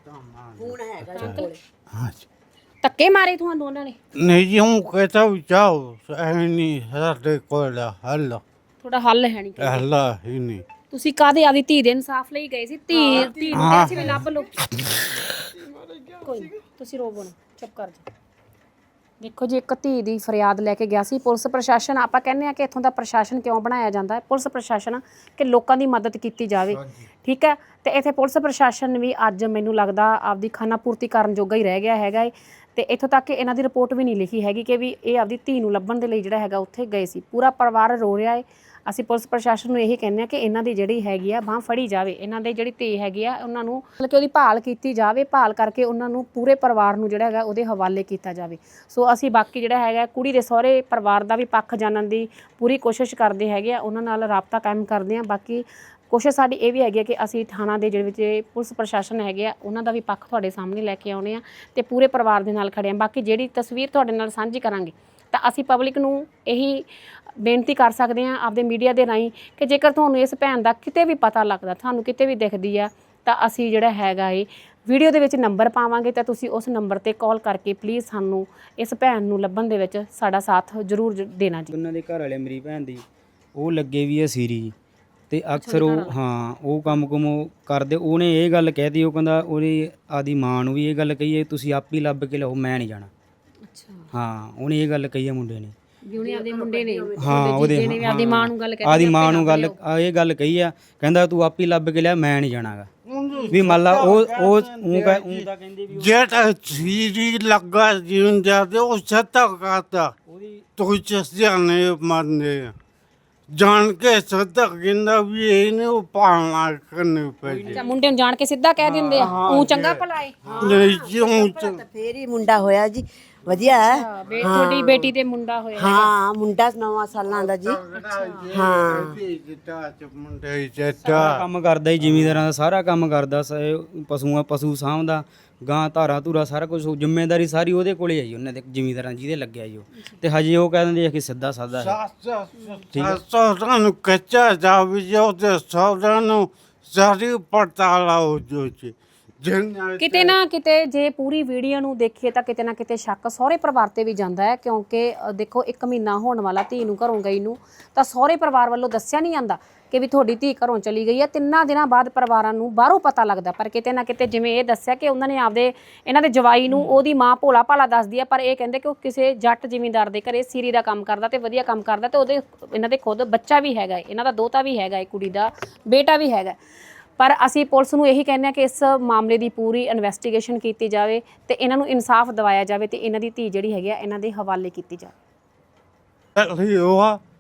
Speaker 5: हाँ जी।
Speaker 1: ਧੱਕੇ ਮਾਰੇ ਤੁਹਾਨੂੰ ਉਹਨਾਂ ਨੇ?
Speaker 5: नहीं जी हूँ कहता भी जाओ ऐ नहीं साढ़े कोल हल
Speaker 1: ਤੁਹਾਡਾ ਹੱਲ ਹੈ ਨਹੀਂ?
Speaker 5: हल ही नहीं।
Speaker 1: ਤੁਸੀਂ ਕਾਹਦੇ ਆਦੀ ਧੀ ਦੇ ਇਨਸਾਫ ਲਈ ਗਏ ਸੀ? ਧੀ ਧੀ ਨੂੰ ਕਿਹਾ ਸੀ ਵੀ ਲੱਭ ਲਓ। ਕੋਈ ਨੀ, ਤੁਸੀਂ ਰੋਵੋ ਨਾ, ਚੁੱਪ ਕਰ ਜਾ। ਦੇਖੋ ਜੀ, ਇੱਕ ਧੀ ਦੀ ਫਰਿਆਦ ਲੈ ਕੇ ਗਿਆ ਸੀ ਪੁਲਿਸ ਪ੍ਰਸ਼ਾਸਨ। ਆਪਾਂ ਕਹਿੰਦੇ ਆ ਕਿ ਇੱਥੋਂ ਦਾ ਪ੍ਰਸ਼ਾਸਨ ਕਿਉਂ ਬਣਾਇਆ ਜਾਂਦਾ ਹੈ ਪੁਲਿਸ ਪ੍ਰਸ਼ਾਸਨ, ਕਿ ਲੋਕਾਂ ਦੀ ਮਦਦ ਕੀਤੀ ਜਾਵੇ, ਠੀਕ ਹੈ। ਤੇ ਇੱਥੇ ਪੁਲਿਸ ਪ੍ਰਸ਼ਾਸਨ ਵੀ ਅੱਜ ਮੈਨੂੰ ਲੱਗਦਾ ਆਪਦੀ ਖਾਨਾ ਪੂਰਤੀ ਕਰਨ ਜੋਗਾ ਹੀ ਰਹਿ ਗਿਆ ਹੈਗਾ ਏ। ਤੇ ਇੱਥੋਂ ਤੱਕ ਕਿ ਇਹਨਾਂ ਦੀ ਰਿਪੋਰਟ ਵੀ ਨਹੀਂ ਲਿਖੀ ਹੈਗੀ ਕਿ ਵੀ ਇਹ ਆਪਦੀ ਧੀ ਨੂੰ ਲੱਭਣ ਦੇ ਲਈ ਜਿਹੜਾ ਹੈਗਾ ਉੱਥੇ ਗਏ ਸੀ। ਪੂਰਾ ਪਰਿਵਾਰ ਰੋ ਰਿਹਾ ਏ। ਅਸੀਂ ਪੁਲਿਸ ਪ੍ਰਸ਼ਾਸਨ ਨੂੰ ਇਹੀ ਕਹਿੰਦੇ ਆ ਕਿ ਇਹਨਾਂ ਦੀ ਜਿਹੜੀ ਹੈਗੀ ਆ ਬਾਂਹ ਫੜੀ ਜਾਵੇ, ਇਹਨਾਂ ਦੇ ਜਿਹੜੀ ਧੀ ਹੈਗੀ ਆ ਉਹਨਾਂ ਨੂੰ ਮਤਲਬ ਕਿ ਉਹਦੀ ਭਾਲ ਕੀਤੀ ਜਾਵੇ, ਭਾਲ ਕਰਕੇ ਉਹਨਾਂ ਨੂੰ ਪੂਰੇ ਪਰਿਵਾਰ ਨੂੰ ਜਿਹੜਾ ਹੈਗਾ ਉਹਦੇ ਹਵਾਲੇ ਕੀਤਾ ਜਾਵੇ। ਸੋ ਅਸੀਂ ਬਾਕੀ ਜਿਹੜਾ ਹੈਗਾ ਕੁੜੀ ਦੇ ਸਹੁਰੇ ਪਰਿਵਾਰ ਦਾ ਵੀ ਪੱਖ ਜਾਣਨ ਦੀ ਪੂਰੀ ਕੋਸ਼ਿਸ਼ ਕਰਦੇ ਹੈਗੇ ਆ, ਉਹਨਾਂ ਨਾਲ ਰਾਬਤਾ ਕਾਇਮ ਕਰਦੇ ਆ। ਬਾਕੀ ਕੋਸ਼ਿਸ਼ ਸਾਡੀ ਇਹ ਵੀ ਹੈਗੀ ਹੈ ਕਿ ਅਸੀਂ ਥਾਣਾ ਦੇ ਜਿਹੜੇ ਵਿੱਚ ਪੁਲਿਸ ਪ੍ਰਸ਼ਾਸਨ ਹੈਗੇ ਆ ਉਹਨਾਂ ਦਾ ਵੀ ਪੱਖ ਤੁਹਾਡੇ ਸਾਹਮਣੇ ਲੈ ਕੇ ਆਉਣੇ ਆ ਤੇ ਪੂਰੇ ਪਰਿਵਾਰ ਦੇ ਨਾਲ ਖੜੇ ਆ। ਬਾਕੀ ਜਿਹੜੀ ਤਸਵੀਰ ਤੁਹਾਡੇ ਨਾਲ ਸਾਂਝੀ ਕਰਾਂਗੇ ਤਾਂ ਅਸੀਂ ਪਬਲਿਕ ਨੂੰ ਇਹੀ ਬੇਨਤੀ ਕਰ ਸਕਦੇ ਹਾਂ ਆਪਦੇ ਮੀਡੀਆ ਦੇ ਰਾਹੀਂ ਕਿ ਜੇਕਰ ਤੁਹਾਨੂੰ ਇਸ ਭੈਣ ਦਾ ਕਿਤੇ ਵੀ ਪਤਾ ਲੱਗਦਾ, ਤੁਹਾਨੂੰ ਕਿਤੇ ਵੀ ਦਿਖਦੀ ਆ, ਤਾਂ ਅਸੀਂ ਜਿਹੜਾ ਹੈਗਾ ਏ ਵੀਡੀਓ ਦੇ ਵਿੱਚ ਨੰਬਰ ਪਾਵਾਂਗੇ ਤਾਂ ਤੁਸੀਂ ਉਸ ਨੰਬਰ ਤੇ ਕਾਲ ਕਰਕੇ ਪਲੀਜ਼ ਸਾਨੂੰ ਇਸ ਭੈਣ ਨੂੰ ਲੱਭਣ ਦੇ ਵਿੱਚ ਸਾਡਾ ਸਾਥ ਜ਼ਰੂਰ ਜ- ਦੇਣਾ ਜੀ।
Speaker 2: ਉਹਨਾਂ ਦੇ ਘਰ ਵਾਲੇ ਮੇਰੀ ਭੈਣ ਦੀ ਉਹ ਲੱਗੇ ਵੀ ਆ ਸੀਰੀ, ਤੇ ਅਕਸਰ ਉਹ ਹਾਂ ਉਹ ਕੰਮ ਕੁਮ ਉਹ ਕਰਦੇ। ਉਹਨੇ ਇਹ ਗੱਲ ਕਹਿਤੀ, ਉਹ ਕਹਿੰਦਾ ਉਹਦੀ ਆਦੀ ਮਾਂ ਨੂੰ ਵੀ ਇਹ ਗੱਲ ਕਹੀ ਹੈ ਤੁਸੀਂ ਆਪ ਹੀ ਲੱਭ ਕੇ ਲਿਆਓ, ਮੈਂ ਨਹੀਂ ਜਾਣਾ।
Speaker 1: ਅੱਛਾ,
Speaker 2: ਹਾਂ ਉਹਨੇ ਇਹ ਗੱਲ ਕਹੀ ਹੈ ਮੁੰਡੇ ਨੇ।
Speaker 1: ਵੀ ਉਹਨੇ ਆਪਦੇ ਮੁੰਡੇ ਨੇ
Speaker 2: ਹਾਂ ਉਹਦੇ
Speaker 1: ਜੀਜੇ ਨੇ ਵੀ ਆਪਦੀ ਮਾਂ ਨੂੰ ਗੱਲ ਕਹਿ
Speaker 2: ਆਦੀ ਮਾਂ ਨੂੰ ਗੱਲ ਆ ਇਹ ਗੱਲ ਕਹੀ ਆ, ਕਹਿੰਦਾ ਤੂੰ ਆਪ ਹੀ ਲੱਭ ਕੇ ਲਿਆ, ਮੈਂ ਨਹੀਂ ਜਾਣਾਗਾ। ਵੀ ਮੰਨ ਲਾ ਉਹ ਉਹ ਊਂ ਕਹਿ ਊਂ ਤਾਂ ਕਹਿੰਦੇ ਵੀ
Speaker 5: जेठ सीरी लगा जीवन जाते वो छत्ता खाता तो कुछ जाने मारने जान के छत्ता गिंदा भी यही नहीं वो पालना करने पे
Speaker 1: ਅੱਛਾ, ਮੁੰਡੇ ਨੂੰ ਜਾਣ ਕੇ ਸਿੱਧਾ ਕਹਿ ਦਿੰਦੇ ਆ ਉਹ ਚੰਗਾ ਭਲਾ ਏ?
Speaker 5: नहीं जी हूँ
Speaker 3: ਤਾਂ ਫੇਰ ਹੀ ਮੁੰਡਾ ਹੋਇਆ ਜੀ, ਵਧੀਆ ਹੈ।
Speaker 1: ਬੇ ਤੁਹਾਡੀ ਬੇਟੀ ਦੇ ਮੁੰਡਾ ਹੋਇਆ?
Speaker 3: ਹਾਂ ਮੁੰਡਾ ਨੌਂ ਸਾਲਾਂ ਦਾ ਜੀ। ਹਾਂ
Speaker 5: मुंडे
Speaker 2: ਸਾਰਾ ਕੰਮ ਕਰਦਾ ਹੀ, ਜ਼ਿਮੀਂਦਾਰਾਂ ਦਾ ਸਾਰਾ ਕੰਮ ਕਰਦਾ, ਸ- ਪਸ਼ੂਆਂ ਪਸ਼ੂ ਸਾਂਭਦਾ, ਗਾਂ ਧਾਰਾ ਧੂਰਾ ਸਾਰਾ ਕੁਝ, ਜ਼ਿੰਮੇਵਾਰੀ ਸਾਰੀ ਉਹਦੇ ਕੋਲੇ ਆਈ ਉਹਨਾਂ ਦੇ ਜ਼ਿਮੀਂਦਾਰਾਂ ਜਿਹਦੇ ਲੱਗਿਆ ਜੀ ਉਹ। ਤੇ ਹਜੇ ਉਹ ਕਹਿ ਦਿੰਦੇ ਆ ਕਿ ਸਿੱਧਾ ਸਾਦਾ ਹੈ।
Speaker 5: ਸੌਦਾਂ ਨੂੰ ਕੱਚਾ ਜਾਵੇ ਜੋ ਤੇ ਸੌਦਾਂ ਨੂੰ ਸਾਰੀ ਪੜਤਾਲ ਹੋ ਜੋ ਜੀ ਜਿੰਨਾ
Speaker 1: ਕਿਤੇ ਨਾ ਕਿਤੇ ਜੇ ਪੂਰੀ ਵੀਡੀਓ ਨੂੰ ਦੇਖੀਏ ਤਾਂ ਕਿਤੇ ਨਾ ਕਿਤੇ ਸ਼ੱਕ ਸਹੁਰੇ ਪਰਿਵਾਰ ਤੇ ਵੀ ਜਾਂਦਾ ਹੈ, ਕਿਉਂਕਿ ਅ, ਦੇਖੋ ਇੱਕ ਮਹੀਨਾ ਹੋਣ ਵਾਲਾ ਧੀ ਨੂੰ ਘਰੋਂ ਗਈ ਨੂੰ ਤਾਂ ਸਹੁਰੇ ਪਰਿਵਾਰ ਵੱਲੋਂ ਦੱਸਿਆ ਨਹੀਂ ਜਾਂਦਾ ਕਿ ਵੀ ਤੁਹਾਡੀ ਧੀ ਘਰੋਂ ਚਲੀ ਗਈ ਹੈ। ਤਿੰਨਾਂ ਦਿਨਾਂ ਬਾਅਦ ਪਰਿਵਾਰਾਂ ਨੂੰ ਬਾਹਰੋਂ ਪਤਾ ਲੱਗਦਾ, ਪਰ ਕਿਤੇ ਨਾ ਕਿਤੇ ਜਿਵੇਂ ਇਹ ਦੱਸਿਆ ਕਿ ਉਹਨਾਂ ਨੇ ਆਪਦੇ ਇਹਨਾਂ ਦੇ ਜਵਾਈ ਨੂੰ ਉਹਦੀ ਮਾਂ ਭੋਲਾ ਭਾਲਾ ਦੱਸਦੀ ਹੈ, ਪਰ ਇਹ ਕਹਿੰਦੇ ਕਿ ਉਹ ਕਿਸੇ ਜੱਟ ਜ਼ਿਮੀਂਦਾਰ ਦੇ ਘਰੇ ਸੀਰੀ ਦਾ ਕੰਮ ਕਰਦਾ ਤੇ ਵਧੀਆ ਕੰਮ ਕਰਦਾ ਤੇ ਉਹਦੇ ਇਹਨਾਂ ਦੇ ਖੁਦ ਬੱਚਾ ਵੀ ਹੈਗਾ, ਇਹਨਾਂ ਦਾ ਦੋਤਾ ਵੀ ਹੈਗਾ, ਕੁੜੀ ਦਾ ਬੇਟਾ ਵੀ ਹੈਗਾ। ਪਰ ਅਸੀਂ ਪੁਲਿਸ ਨੂੰ ਇਹੀ ਕਹਿੰਦੇ ਹਾਂ ਕਿ ਇਸ ਮਾਮਲੇ ਦੀ ਪੂਰੀ ਇਨਵੈਸਟੀਗੇਸ਼ਨ ਕੀਤੀ ਜਾਵੇ ਤੇ ਇਹਨਾਂ ਨੂੰ ਇਨਸਾਫ ਦਿਵਾਇਆ ਜਾਵੇ ਤੇ ਇਹਨਾਂ ਦੀ ਧੀ ਜਿਹੜੀ ਹੈਗੀ ਆ ਇਹਨਾਂ ਦੇ ਹਵਾਲੇ ਕੀਤੀ ਜਾਵੇ।
Speaker 5: ਲਈ ਹੋਆ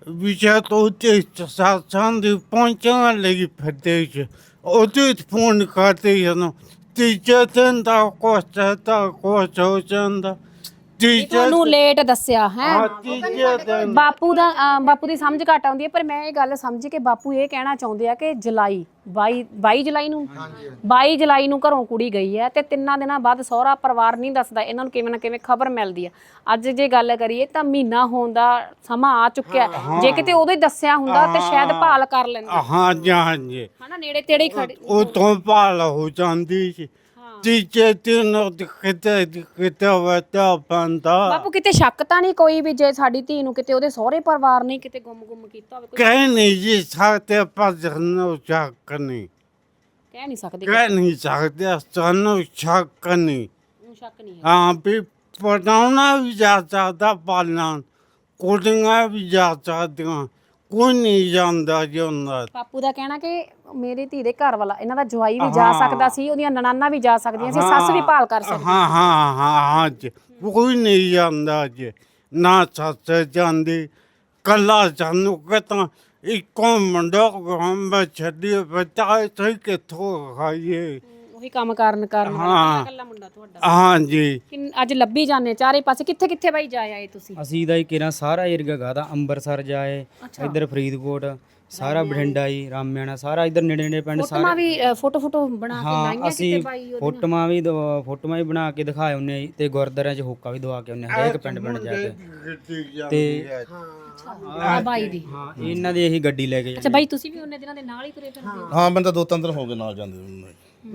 Speaker 5: ਵਿਚਾਰ ਤੋਂ ਤੇ ਸਾਥਾਂ ਦੇ ਪਹੁੰਚਣ ਲਈ ਫਿਰਦੇ ਸੀ ਉਹਦੇ ਫੋਨ ਕਰਦੇ ਹਨ ਤੀਜੇ ਦਿਨ ਦਾ ਕੋਸਾ ਤਾਂ ਕੋਸ ਹੋ ਜਾਂਦਾ ਤੀਜੇ
Speaker 1: ਤੁਹਾਨੂੰ ਲੇਟ ਦੱਸਿਆ ਹੈ
Speaker 5: ਹਾਂ ਤੀਜੇ ਦਿਨ
Speaker 1: ਬਾਪੂ ਦਾ ਅਹ ਬਾਪੂ ਦੀ ਸਮਝ ਘੱਟ ਆਉਂਦੀ ਹੈ ਪਰ ਮੈਂ ਇਹ ਗੱਲ ਸਮਝੀ ਕਿ ਬਾਪੂ ਇਹ ਕਹਿਣਾ ਚਾਹੁੰਦੇ ਆ ਕਿ ਜੁਲਾਈ ਬਾਈ ਬਾਈ ਜੁਲਾਈ ਨੂੰ ਬਾਈ ਜੁਲਾਈ ਨੂੰ ਘਰੋਂ ਕੁੜੀ ਗਈ ਹੈ ਤੇ ਤਿੰਨਾਂ ਦਿਨਾਂ ਬਾਅਦ ਸਹੁਰਾ ਪਰਿਵਾਰ ਨਹੀਂ ਦੱਸਦਾ ਇਹਨਾਂ ਨੂੰ ਕਿਵੇਂ ਨਾ ਕਿਵੇਂ ਖਬਰ ਮਿਲਦੀ ਆ ਅੱਜ ਜੇ ਗੱਲ ਕਰੀਏ ਤਾਂ ਮਹੀਨਾ ਹੋਣ ਦਾ ਸਮਾਂ ਆ ਚੁੱਕਿਆ ਜੇ ਕਿਤੇ ਉਦੋਂ ਹੀ ਦੱਸਿਆ ਹੁੰਦਾ ਤੇ ਸ਼ਾਇਦ ਭਾਲ ਕਰ ਲੈਂਦੇ
Speaker 5: ਹਾਂ ਜੀ ਹਾਂ ਜੀ
Speaker 1: ਹਨਾ ਨੇੜੇ ਤੇੜੇ ਹੀ ਖੜੇ
Speaker 5: ਉਹ ਤੋਂ ਭਾਲ ਹੋ ਜਾਂਦੀ ਸੀ ਤੀਜੇ ਦਿਨ ਕਿਤੇ ਕਿਤੇ ਵਤਾ ਬੰਦਾ
Speaker 1: ਬਾਪੂ ਕਿਤੇ ਸ਼ੱਕ ਤਾਂ ਨਹੀਂ ਕੋਈ ਵੀ ਜੇ ਸਾਡੀ ਧੀ ਨੂੰ ਕਿਤੇ ਉਹਦੇ ਸਹੁਰੇ ਪਰਿਵਾਰ ਨੇ ਕਿਤੇ ਗੁੰਮ-ਗੁੰਮ ਕੀਤਾ ਹੋਵੇ ਕੋਈ
Speaker 5: ਕਹਿ ਨਹੀਂ ਜੀ ਸਕਦੇ ਪਰ ਸਾਨੂੰ ਸ਼ੱਕ ਨਹੀਂ
Speaker 1: ਕਹਿ ਨਹੀਂ ਸਕਦੇ
Speaker 5: ਕਹਿ ਨਹੀਂ ਸਕਦੇ ਸਾਨੂੰ ਸ਼ੱਕ ਨਹੀਂ
Speaker 1: ਨੂੰ ਸ਼ੱਕ ਨਹੀਂ ਹੈ
Speaker 5: ਹਾਂ ਵੀ ਪੜਾਉਣਾ ਵੀ ਜਾ ਸਕਦਾ ਪਾਲਣਾ ਕੁੜੀਆਂ ਵੀ ਜਾ ਸਕਦੀਆਂ ਕੋਈ ਨਹੀਂ ਜਾਂਦਾ ਜੀ ਉਹਨਾਂ
Speaker 1: ਬਾਪੂ ਦਾ ਕਹਿਣਾ ਕਿ ਮੇਰੀ ਧੀ ਦੇ ਘਰ ਵਾਲਾ ਇਹਨਾਂ ਦਾ ਜਵਾਈ ਵੀ ਜਾ ਸਕਦਾ ਸੀ ਉਹਦੀਆਂ ਨਨਾਨਾ ਵੀ ਜਾ ਸਕਦੀਆਂ ਸੀ ਸੱਸ ਵੀ ਭਾਲ ਕਰ ਸਕਦੀ
Speaker 5: ਹਾਂ ਹਾਂ ਹਾਂ ਹਾਂ ਜੀ ਕੋਈ ਨਹੀਂ ਜਾਂਦਾ ਜੀ ਨਾ ਸੱਸ ਜਾਂਦੀ ਕੱਲਾ ਸਾਨੂੰ ਕਹਤਾ ਇੱਕੋ ਮੁੰਡਾ ਹਮ ਛੱਡੀ ਬੱਚਾ ਸਹੀ ਕਿੱਥੋਂ ਖਾਈਏ
Speaker 1: ਉਹੀ ਕੰਮ ਕਰਨ ਕਰਨ
Speaker 5: ਹਾਂ।
Speaker 1: ਕੱਲਾ ਮੁੰਡਾ ਤੁਹਾਡਾ
Speaker 5: ਹਾਂ ਜੀ
Speaker 1: ਕਿ ਅੱਜ ਲੱਭੀ ਜਾਂਦੇ ਚਾਰੇ ਪਾਸੇ ਕਿੱਥੇ ਕਿੱਥੇ ਬਾਈ ਜਾ ਆਏ ਤੁਸੀਂ
Speaker 2: ਅਸੀਂ ਦਾ ਹੀ ਕਿਰਾਂ ਸਾਰਾ ਏਰੀਆ ਗਾਦਾ ਅੰਮ੍ਰਿਤਸਰ ਜਾਏ ਇੱਧਰ ਫਰੀਦਕੋਟ ਸਾਰਾ ਬਠਿੰਡਾ ਜੀ ਰਾਮਿਆਣਾ ਸਾਰਾ ਇੱਧਰ ਨੇੜੇ ਨੇੜੇ ਪਿੰਡ ਸਾਰੇ
Speaker 1: ਫੋਟੋਆਂ ਵੀ ਅ, ਫੋਟੋ ਫੋਟੋ ਬਣਾ ਕੇ
Speaker 2: ਹਾਂ
Speaker 1: ਲਾਈਆਂ ਕਿਤੇ
Speaker 2: ਅਸੀਂ
Speaker 1: ਬਾਈ ਉਹਦੀਆਂ
Speaker 2: ਫੋਟੋਆਂ ਵੀ ਦਵਾ- ਫੋਟੋਆਂ ਵੀ ਬਣਾ ਕੇ ਦਿਖਾਏ ਹੁੰਨੇ ਜੀ ਤੇ ਗੁਰਦੁਆਰਿਆਂ 'ਚ ਹੋਕਾ ਵੀ ਦਵਾ ਕੇ ਹੁੰਨੇ ਹਰੇਕ ਪਿੰਡ ਪਿੰਡ ਜਾ ਕੇ ਤੇ
Speaker 1: ਆ ਬਾਈ ਦੀ
Speaker 2: ਹਾਂ ਇਹਨਾਂ ਦੀ ਇਹੀ ਗੱਡੀ ਲੈ ਕੇ
Speaker 1: ਅੱਛਾ ਬਾਈ ਤੁਸੀਂ ਵੀ ਉਹਨੇ ਦਿਨਾਂ ਦੇ ਨਾਲ ਹੀ ਤੁਰੇ ਫਿਰਦੇ ਹੋ
Speaker 8: ਹਾਂ ਮੈਨੂੰ ਤਾਂ ਦੋ ਤਿੰਨ ਦਿਨ ਹੋ ਗਏ ਨਾਲ ਜਾਂਦੇ ਨੂੰ।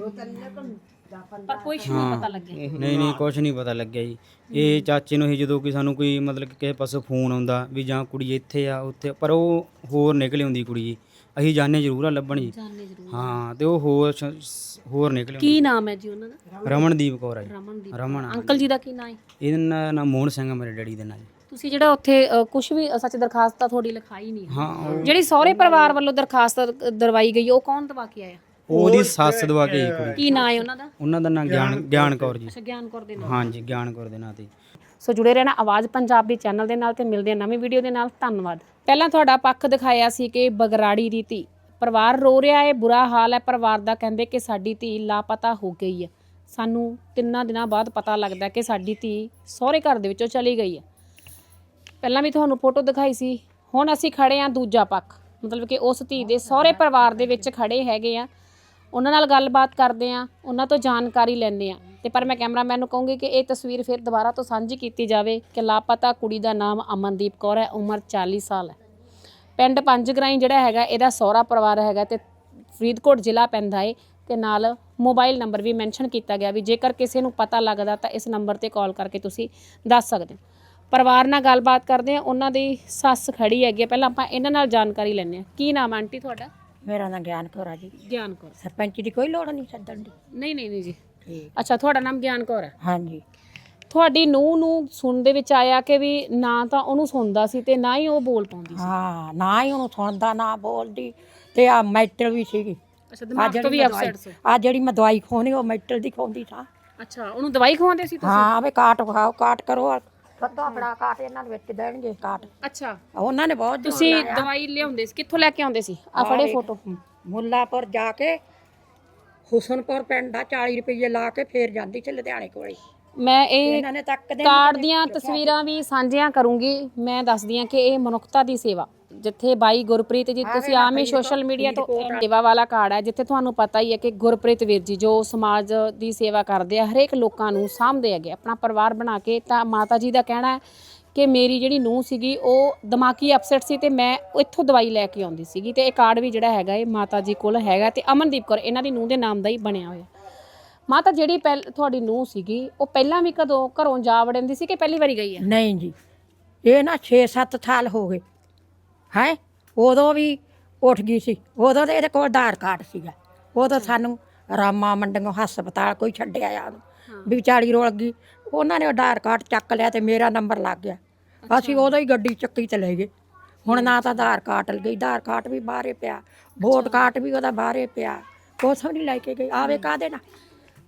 Speaker 1: ਪਰ ਕੋਈ ਸ਼ੂ ਨਹੀਂ ਪਤਾ ਲੱਗਿਆ
Speaker 2: ਨਹੀਂ ਨਹੀਂ ਕੁਝ ਨਹੀਂ ਪਤਾ ਲੱਗਿਆ ਜੀ ਇਹ ਚਾਚੇ ਨੂੰ ਹੀ ਜਦੋਂ ਕਿ ਸਾਨੂੰ ਕੋਈ ਮਤਲਬ ਕਿ ਕਿਸੇ ਪਾਸੋਂ ਫੋਨ ਆਉਂਦਾ ਵੀ ਜਾਂ ਕੁੜੀ ਇੱਥੇ ਆ ਉੱਥੇ ਪਰ ਉਹ ਹੋਰ ਨਿਕਲ ਆਉਂਦੀ ਕੁੜੀ ਜੀ ਅਸੀਂ ਜਾਣੇ ਜ਼ਰੂਰ ਆ ਲੱਭਣ ਜੀ
Speaker 1: ਜਾਣੇ ਜ਼ਰੂਰ
Speaker 2: ਹਾਂ ਤੇ ਉਹ ਹੋਰ ਸ਼- ਹੋਰ ਨਿਕਲ ਆਉਂਦੀ
Speaker 1: ਕੀ ਨਾਮ ਹੈ ਜੀ ਉਹਨਾਂ ਦਾ
Speaker 2: ਰਮਨਦੀਪ ਕੌਰ ਆ ਜੀ
Speaker 1: ਰਮਨਦੀਪ
Speaker 2: ਰਮਨ ਆ।
Speaker 1: ਅੰਕਲ ਜੀ ਦਾ ਕੀ ਨਾਮ ਹੈ
Speaker 2: ਇਹਦਾ ਨਾਮ ਮੋਹਨ ਸਿੰਘ ਆ ਮੇਰੇ ਡੈਡੀ ਦੇ ਨਾਲ ਜੀ।
Speaker 1: ਤੁਸੀਂ ਜਿਹੜਾ ਉੱਥੇ ਕੁਝ ਵੀ ਅ, ਸੱਚ ਦਰਖਾਸਤ ਤਾਂ ਤੁਹਾਡੀ ਲਿਖਾਈ ਨਹੀਂ ਹੈ।
Speaker 2: ਹਾਂ ਉਹ-
Speaker 1: ਜਿਹੜੀ ਸਹੁਰੇ ਪਰਿਵਾਰ ਵੱਲੋਂ ਦਰਖਾਸਤ ਦਰਵਾਈ ਗਈ ਉਹ ਕੌਣ ਦਵਾ ਕੇ ਆਇਆ
Speaker 2: ਉਹਦੀ ਸੱਸ ਦਵਾ ਕੇ ਆਈ ਕੁੜੀ
Speaker 1: ਕੀ ਨਾਮ ਹੈ ਉਹਨਾਂ ਦਾ
Speaker 2: ਉਹਨਾਂ ਦਾ ਨਾਮ ਗਿਆਨ ਗਿਆਨ ਕੌਰ ਜੀ
Speaker 1: ਅੱਛਾ ਗਿਆਨ ਕੌਰ ਦੇ ਨਾਮ
Speaker 2: ਹਾਂਜੀ ਗਿਆਨ ਕੌਰ ਦੇ ਨਾਂ ਤੇ
Speaker 1: ਸੋ ਜੁੜੇ ਰਹਿਣਾ ਆਵਾਜ਼ ਪੰਜਾਬੀ ਚੈਨਲ ਦੇ ਨਾਲ ਤੇ ਮਿਲਦੇ ਹਾਂ ਨਵੀਂ ਵੀਡੀਓ ਦੇ ਨਾਲ ਧੰਨਵਾਦ ਪਹਿਲਾਂ ਤੁਹਾਡਾ ਪੱਖ ਦਿਖਾਇਆ ਸੀ ਕਿ ਬਗਰਾੜੀ ਦੀ ਧੀ ਪਰਿਵਾਰ ਰੋ ਰਿਹਾ ਹੈ ਬੁਰਾ ਹਾਲ ਹੈ ਪਰਿਵਾਰ ਦਾ ਕਹਿੰਦੇ ਕਿ ਸਾਡੀ ਧੀ ਲਾਪਤਾ ਹੋ ਗਈ ਹੈ ਸਾਨੂੰ ਤਿੰਨਾਂ ਦਿਨਾਂ ਬਾਅਦ ਪਤਾ ਲੱਗਦਾ ਕਿ ਸਾਡੀ ਧੀ ਸਹੁਰੇ ਘਰ ਦੇ ਵਿੱਚੋਂ ਚਲੀ ਗਈ ਹੈ ਪਹਿਲਾਂ ਵੀ ਤੁਹਾਨੂੰ ਫੋਟੋ ਦਿਖਾਈ ਸੀ ਹੁਣ ਅਸੀਂ ਖੜੇ ਹਾਂ ਦੂਜਾ ਪੱਖ ਮਤਲਬ ਕਿ ਉਸ ਧੀ ਦੇ ਸਹੁਰੇ ਪਰਿਵਾਰ ਦੇ ਵਿੱਚ ਖੜੇ ਹੈਗੇ ਆ ਉਹਨਾਂ ਨਾਲ ਗੱਲਬਾਤ ਕਰਦੇ ਆ ਉਹਨਾਂ ਤੋਂ ਜਾਣਕਾਰੀ ਲੈਂਦੇ ਆ ਤੇ ਪਰ ਮੈਂ ਕੈਮਰਾਮੈਨ ਨੂੰ ਕਹੂੰਗੀ ਕਿ ਇਹ ਤਸਵੀਰ ਫਿਰ ਦੁਬਾਰਾ ਤੋਂ ਸਾਂਝੀ ਕੀਤੀ ਜਾਵੇ ਕਿ ਲਾਪਤਾ ਕੁੜੀ ਦਾ ਨਾਮ ਅਮਨਦੀਪ ਕੌਰ ਹੈ ਉਮਰ ਚਾਲੀ ਸਾਲ ਹੈ ਪਿੰਡ ਪੰਜਗਰਾਈ ਜਿਹੜਾ ਹੈਗਾ ਇਹਦਾ ਸਹੁਰਾ ਪਰਿਵਾਰ ਹੈਗਾ ਤੇ ਫਰੀਦਕੋਟ ਜ਼ਿਲ੍ਹਾ ਪੈਂਦਾ ਹੈ ਤੇ ਨਾਲ ਮੋਬਾਈਲ ਨੰਬਰ ਵੀ ਮੈਂਸ਼ਨ ਕੀਤਾ ਗਿਆ ਵੀ ਜੇਕਰ ਕਿਸੇ ਨੂੰ ਪਤਾ ਲੱਗਦਾ ਤਾਂ ਇਸ ਨੰਬਰ ਤੇ ਕਾਲ ਕਰਕੇ ਤੁਸੀਂ ਦੱਸ ਸਕਦੇ ਹੋ ਪਰਿਵਾਰ ਨਾਲ ਗੱਲਬਾਤ ਕਰਦੇ ਆ ਉਹਨਾਂ ਦੀ ਸੱਸ ਖੜੀ ਹੈਗੀ ਆ ਪਹਿਲਾਂ ਆਪਾਂ ਇਹਨਾਂ ਨਾਲ ਜਾਣਕਾਰੀ ਲੈਂਦੇ ਆ ਕੀ ਨਾਮ ਹੈ ਆਂਟੀ ਤੁਹਾਡਾ
Speaker 6: ਮੇਰਾ ਨਾਂ ਗਿਆਨ ਕੌਰ ਆ ਜੀ
Speaker 1: ਗਿਆਨ ਕੌਰ
Speaker 6: ਸਰਪੰਚ ਦੀ ਕੋਈ ਲੋੜ ਨਹੀਂ ਸੱਦਣ ਦੀ
Speaker 1: ਨਹੀਂ ਨਹੀਂ ਨਹੀਂ ਜੀ
Speaker 6: ਠੀਕ
Speaker 1: ਅੱਛਾ ਤੁਹਾਡਾ ਨਾਮ ਗਿਆਨ ਕੌਰ ਹੈ
Speaker 6: ਹਾਂਜੀ
Speaker 1: ਤੁਹਾਡੀ ਨੂੰਹ ਨੂੰ ਸੁਣ ਦੇ ਵਿੱਚ ਆਇਆ ਕਿ ਵੀ ਨਾ ਤਾਂ ਉਹਨੂੰ ਸੁਣਦਾ ਸੀ ਤੇ ਨਾ ਹੀ ਉਹ ਬੋਲ ਪਾਉਂਦੀ ਸੀ
Speaker 6: ਹਾਂ ਨਾ ਹੀ ਉਹਨੂੰ ਸੁਣਦਾ ਨਾ ਬੋਲਦੀ ਤੇ ਆ ਮੈਟਲ ਵੀ ਸੀਗੀ
Speaker 1: ਅੱਛਾ
Speaker 6: ਆ
Speaker 1: ਦਿਮਾਗ ਤੋਂ ਵੀ ਅਪਸੈਟ ਸੀ
Speaker 6: ਆ ਜਿਹੜੀ ਮੈਂ ਦਵਾਈ ਖਵਾਉਣੀ ਉਹ ਮੈਟਲ ਦੀ ਖਵਾਉਂਦੀ ਸਾਂ
Speaker 1: ਅੱਛਾ ਉਹਨੂੰ ਦਵਾਈ ਖਵਾਉਂਦੇ ਸੀ ਤੁਸੀਂ
Speaker 6: ਹਾਂ ਵੇ ਕਾਟ ਖਾਓ ਕਾਟ ਕਰੋ ਸੱਦਾ ਬੜਾ ਕਾਟ ਇਹਨਾਂ ਦੇ ਵਿੱਚ ਦੇਣਗੇ ਕਾਟ
Speaker 1: ਅੱਛਾ
Speaker 6: ਉਹਨਾਂ ਨੇ ਬਹੁਤ ਜ਼ੋਰ
Speaker 1: ਤੁਸੀਂ
Speaker 6: ਲਾਇਆ।
Speaker 1: ਦਵਾਈ ਲਿਆਉਂਦੇ ਸੀ ਕਿੱਥੋਂ ਲੈ ਕੇ ਆਉਂਦੇ ਸੀ ਆ ਫੜੇ ਫੋਟੋ
Speaker 6: ਮੁੱਲਾਪੁਰ ਜਾ ਕੇ ਹੁਸਨਪੁਰ ਪਿੰਡ ਦਾ ਚਾਲੀ ਰੁਪਏ ਲਾ ਕੇ ਫੇਰ ਜਾਂਦੀ ਸੀ ਲੁਧਿਆਣੇ ਕੋਲੇ
Speaker 1: ਮੈਂ ਇਹ
Speaker 6: ਇਹਨਾਂ ਨੇ ਤੱਕ ਦੇ
Speaker 1: ਕਾਰਡ ਦੀਆਂ ਤਸਵੀਰਾਂ ਵੀ ਸਾਂਝੀਆਂ ਕਰੂੰਗੀ ਮੈਂ ਦੱਸਦੀ ਹਾਂ ਕਿ ਇਹ ਮਨੁੱਖਤਾ ਦੀ ਸੇਵਾ ਜਿੱਥੇ ਬਾਈ ਗੁਰਪ੍ਰੀਤ ਜੀ ਤੁਸੀਂ ਆਮ ਹੀ ਸੋਸ਼ਲ ਮੀਡੀਆ ਤੋਂ ਸੇਵਾ ਵਾਲਾ ਕਾਰਡ ਹੈ ਜਿੱਥੇ ਤੁਹਾਨੂੰ ਪਤਾ ਹੀ ਹੈ ਕਿ ਗੁਰਪ੍ਰੀਤ ਵੀਰ ਜੀ ਜੋ ਸਮਾਜ ਦੀ ਸੇਵਾ ਕਰਦੇ ਆ ਹਰੇਕ ਲੋਕਾਂ ਨੂੰ ਸਾਂਭਦੇ ਹੈਗੇ ਆਪਣਾ ਪਰਿਵਾਰ ਬਣਾ ਕੇ ਤਾਂ ਮਾਤਾ ਜੀ ਦਾ ਕਹਿਣਾ ਹੈ ਕਿ ਮੇਰੀ ਜਿਹੜੀ ਨੂੰਹ ਸੀਗੀ ਉਹ ਦਿਮਾਗੀ ਅਪਸੈਟ ਸੀ ਤੇ ਮੈਂ ਇੱਥੋਂ ਦਵਾਈ ਲੈ ਕੇ ਆਉਂਦੀ ਸੀਗੀ ਤੇ ਇਹ ਕਾਰਡ ਵੀ ਜਿਹੜਾ ਹੈਗਾ ਇਹ ਮਾਤਾ ਜੀ ਕੋਲ ਹੈਗਾ ਤੇ ਅਮਨਦੀਪ ਕੌਰ ਇਹਨਾਂ ਦੀ ਨੂੰਹ ਦੇ ਨਾਮ ਦਾ ਹੀ ਬਣਿਆ ਹੋਇਆ ਮਾਤਾ ਜਿਹੜੀ ਪਹਿਲ ਤੁਹਾਡੀ ਨੂੰਹ ਸੀਗੀ ਉਹ ਪਹਿਲਾਂ ਵੀ ਕਦੋਂ ਘਰੋਂ ਜਾ ਵੜਦੀ ਸੀ ਕਿ ਪਹਿਲੀ ਵਾਰੀ ਗਈ ਹੈ
Speaker 6: ਨਹੀਂ ਜੀ ਇਹ ਨਾ ਛੇ ਸੱਤ ਸਾਲ ਹੋ ਗਏ ਹੈ ਉਦੋਂ ਵੀ ਉੱਠ ਗਈ ਸੀ ਉਦੋਂ ਤੇ ਇਹਦੇ ਕੋਲ ਆਧਾਰ ਕਾਰਡ ਸੀਗਾ ਉਦੋਂ ਸਾਨੂੰ ਰਾਮਾ ਮੰਡੀੋਂ ਹਸਪਤਾਲ ਕੋਈ ਛੱਡਿਆ ਆ ਉਹਨੂੰ ਵੀ ਵਿਚਾਲੀ ਰੋਲ ਗਈ ਉਹਨਾਂ ਨੇ ਆਧਾਰ ਕਾਰਡ ਚੱਕ ਲਿਆ ਤੇ ਮੇਰਾ ਨੰਬਰ ਲੱਗ ਗਿਆ ਅਸੀਂ ਉਦੋਂ ਹੀ ਗੱਡੀ ਚੱਕੀ ਤੇ ਲੈ ਗਏ ਹੁਣ ਨਾ ਤਾਂ ਆਧਾਰ ਕਾਰਡ ਗਈ ਆਧਾਰ ਕਾਰਡ ਵੀ ਬਾਹਰੇ ਪਿਆ ਵੋਟ ਕਾਰਡ ਵੀ ਉਹਦਾ ਬਾਹਰੇ ਪਿਆ ਕੁਛ ਨਹੀਂ ਲੈ ਕੇ ਗਈ ਆਵੇ ਕਾਹਦੇ ਨਾਲ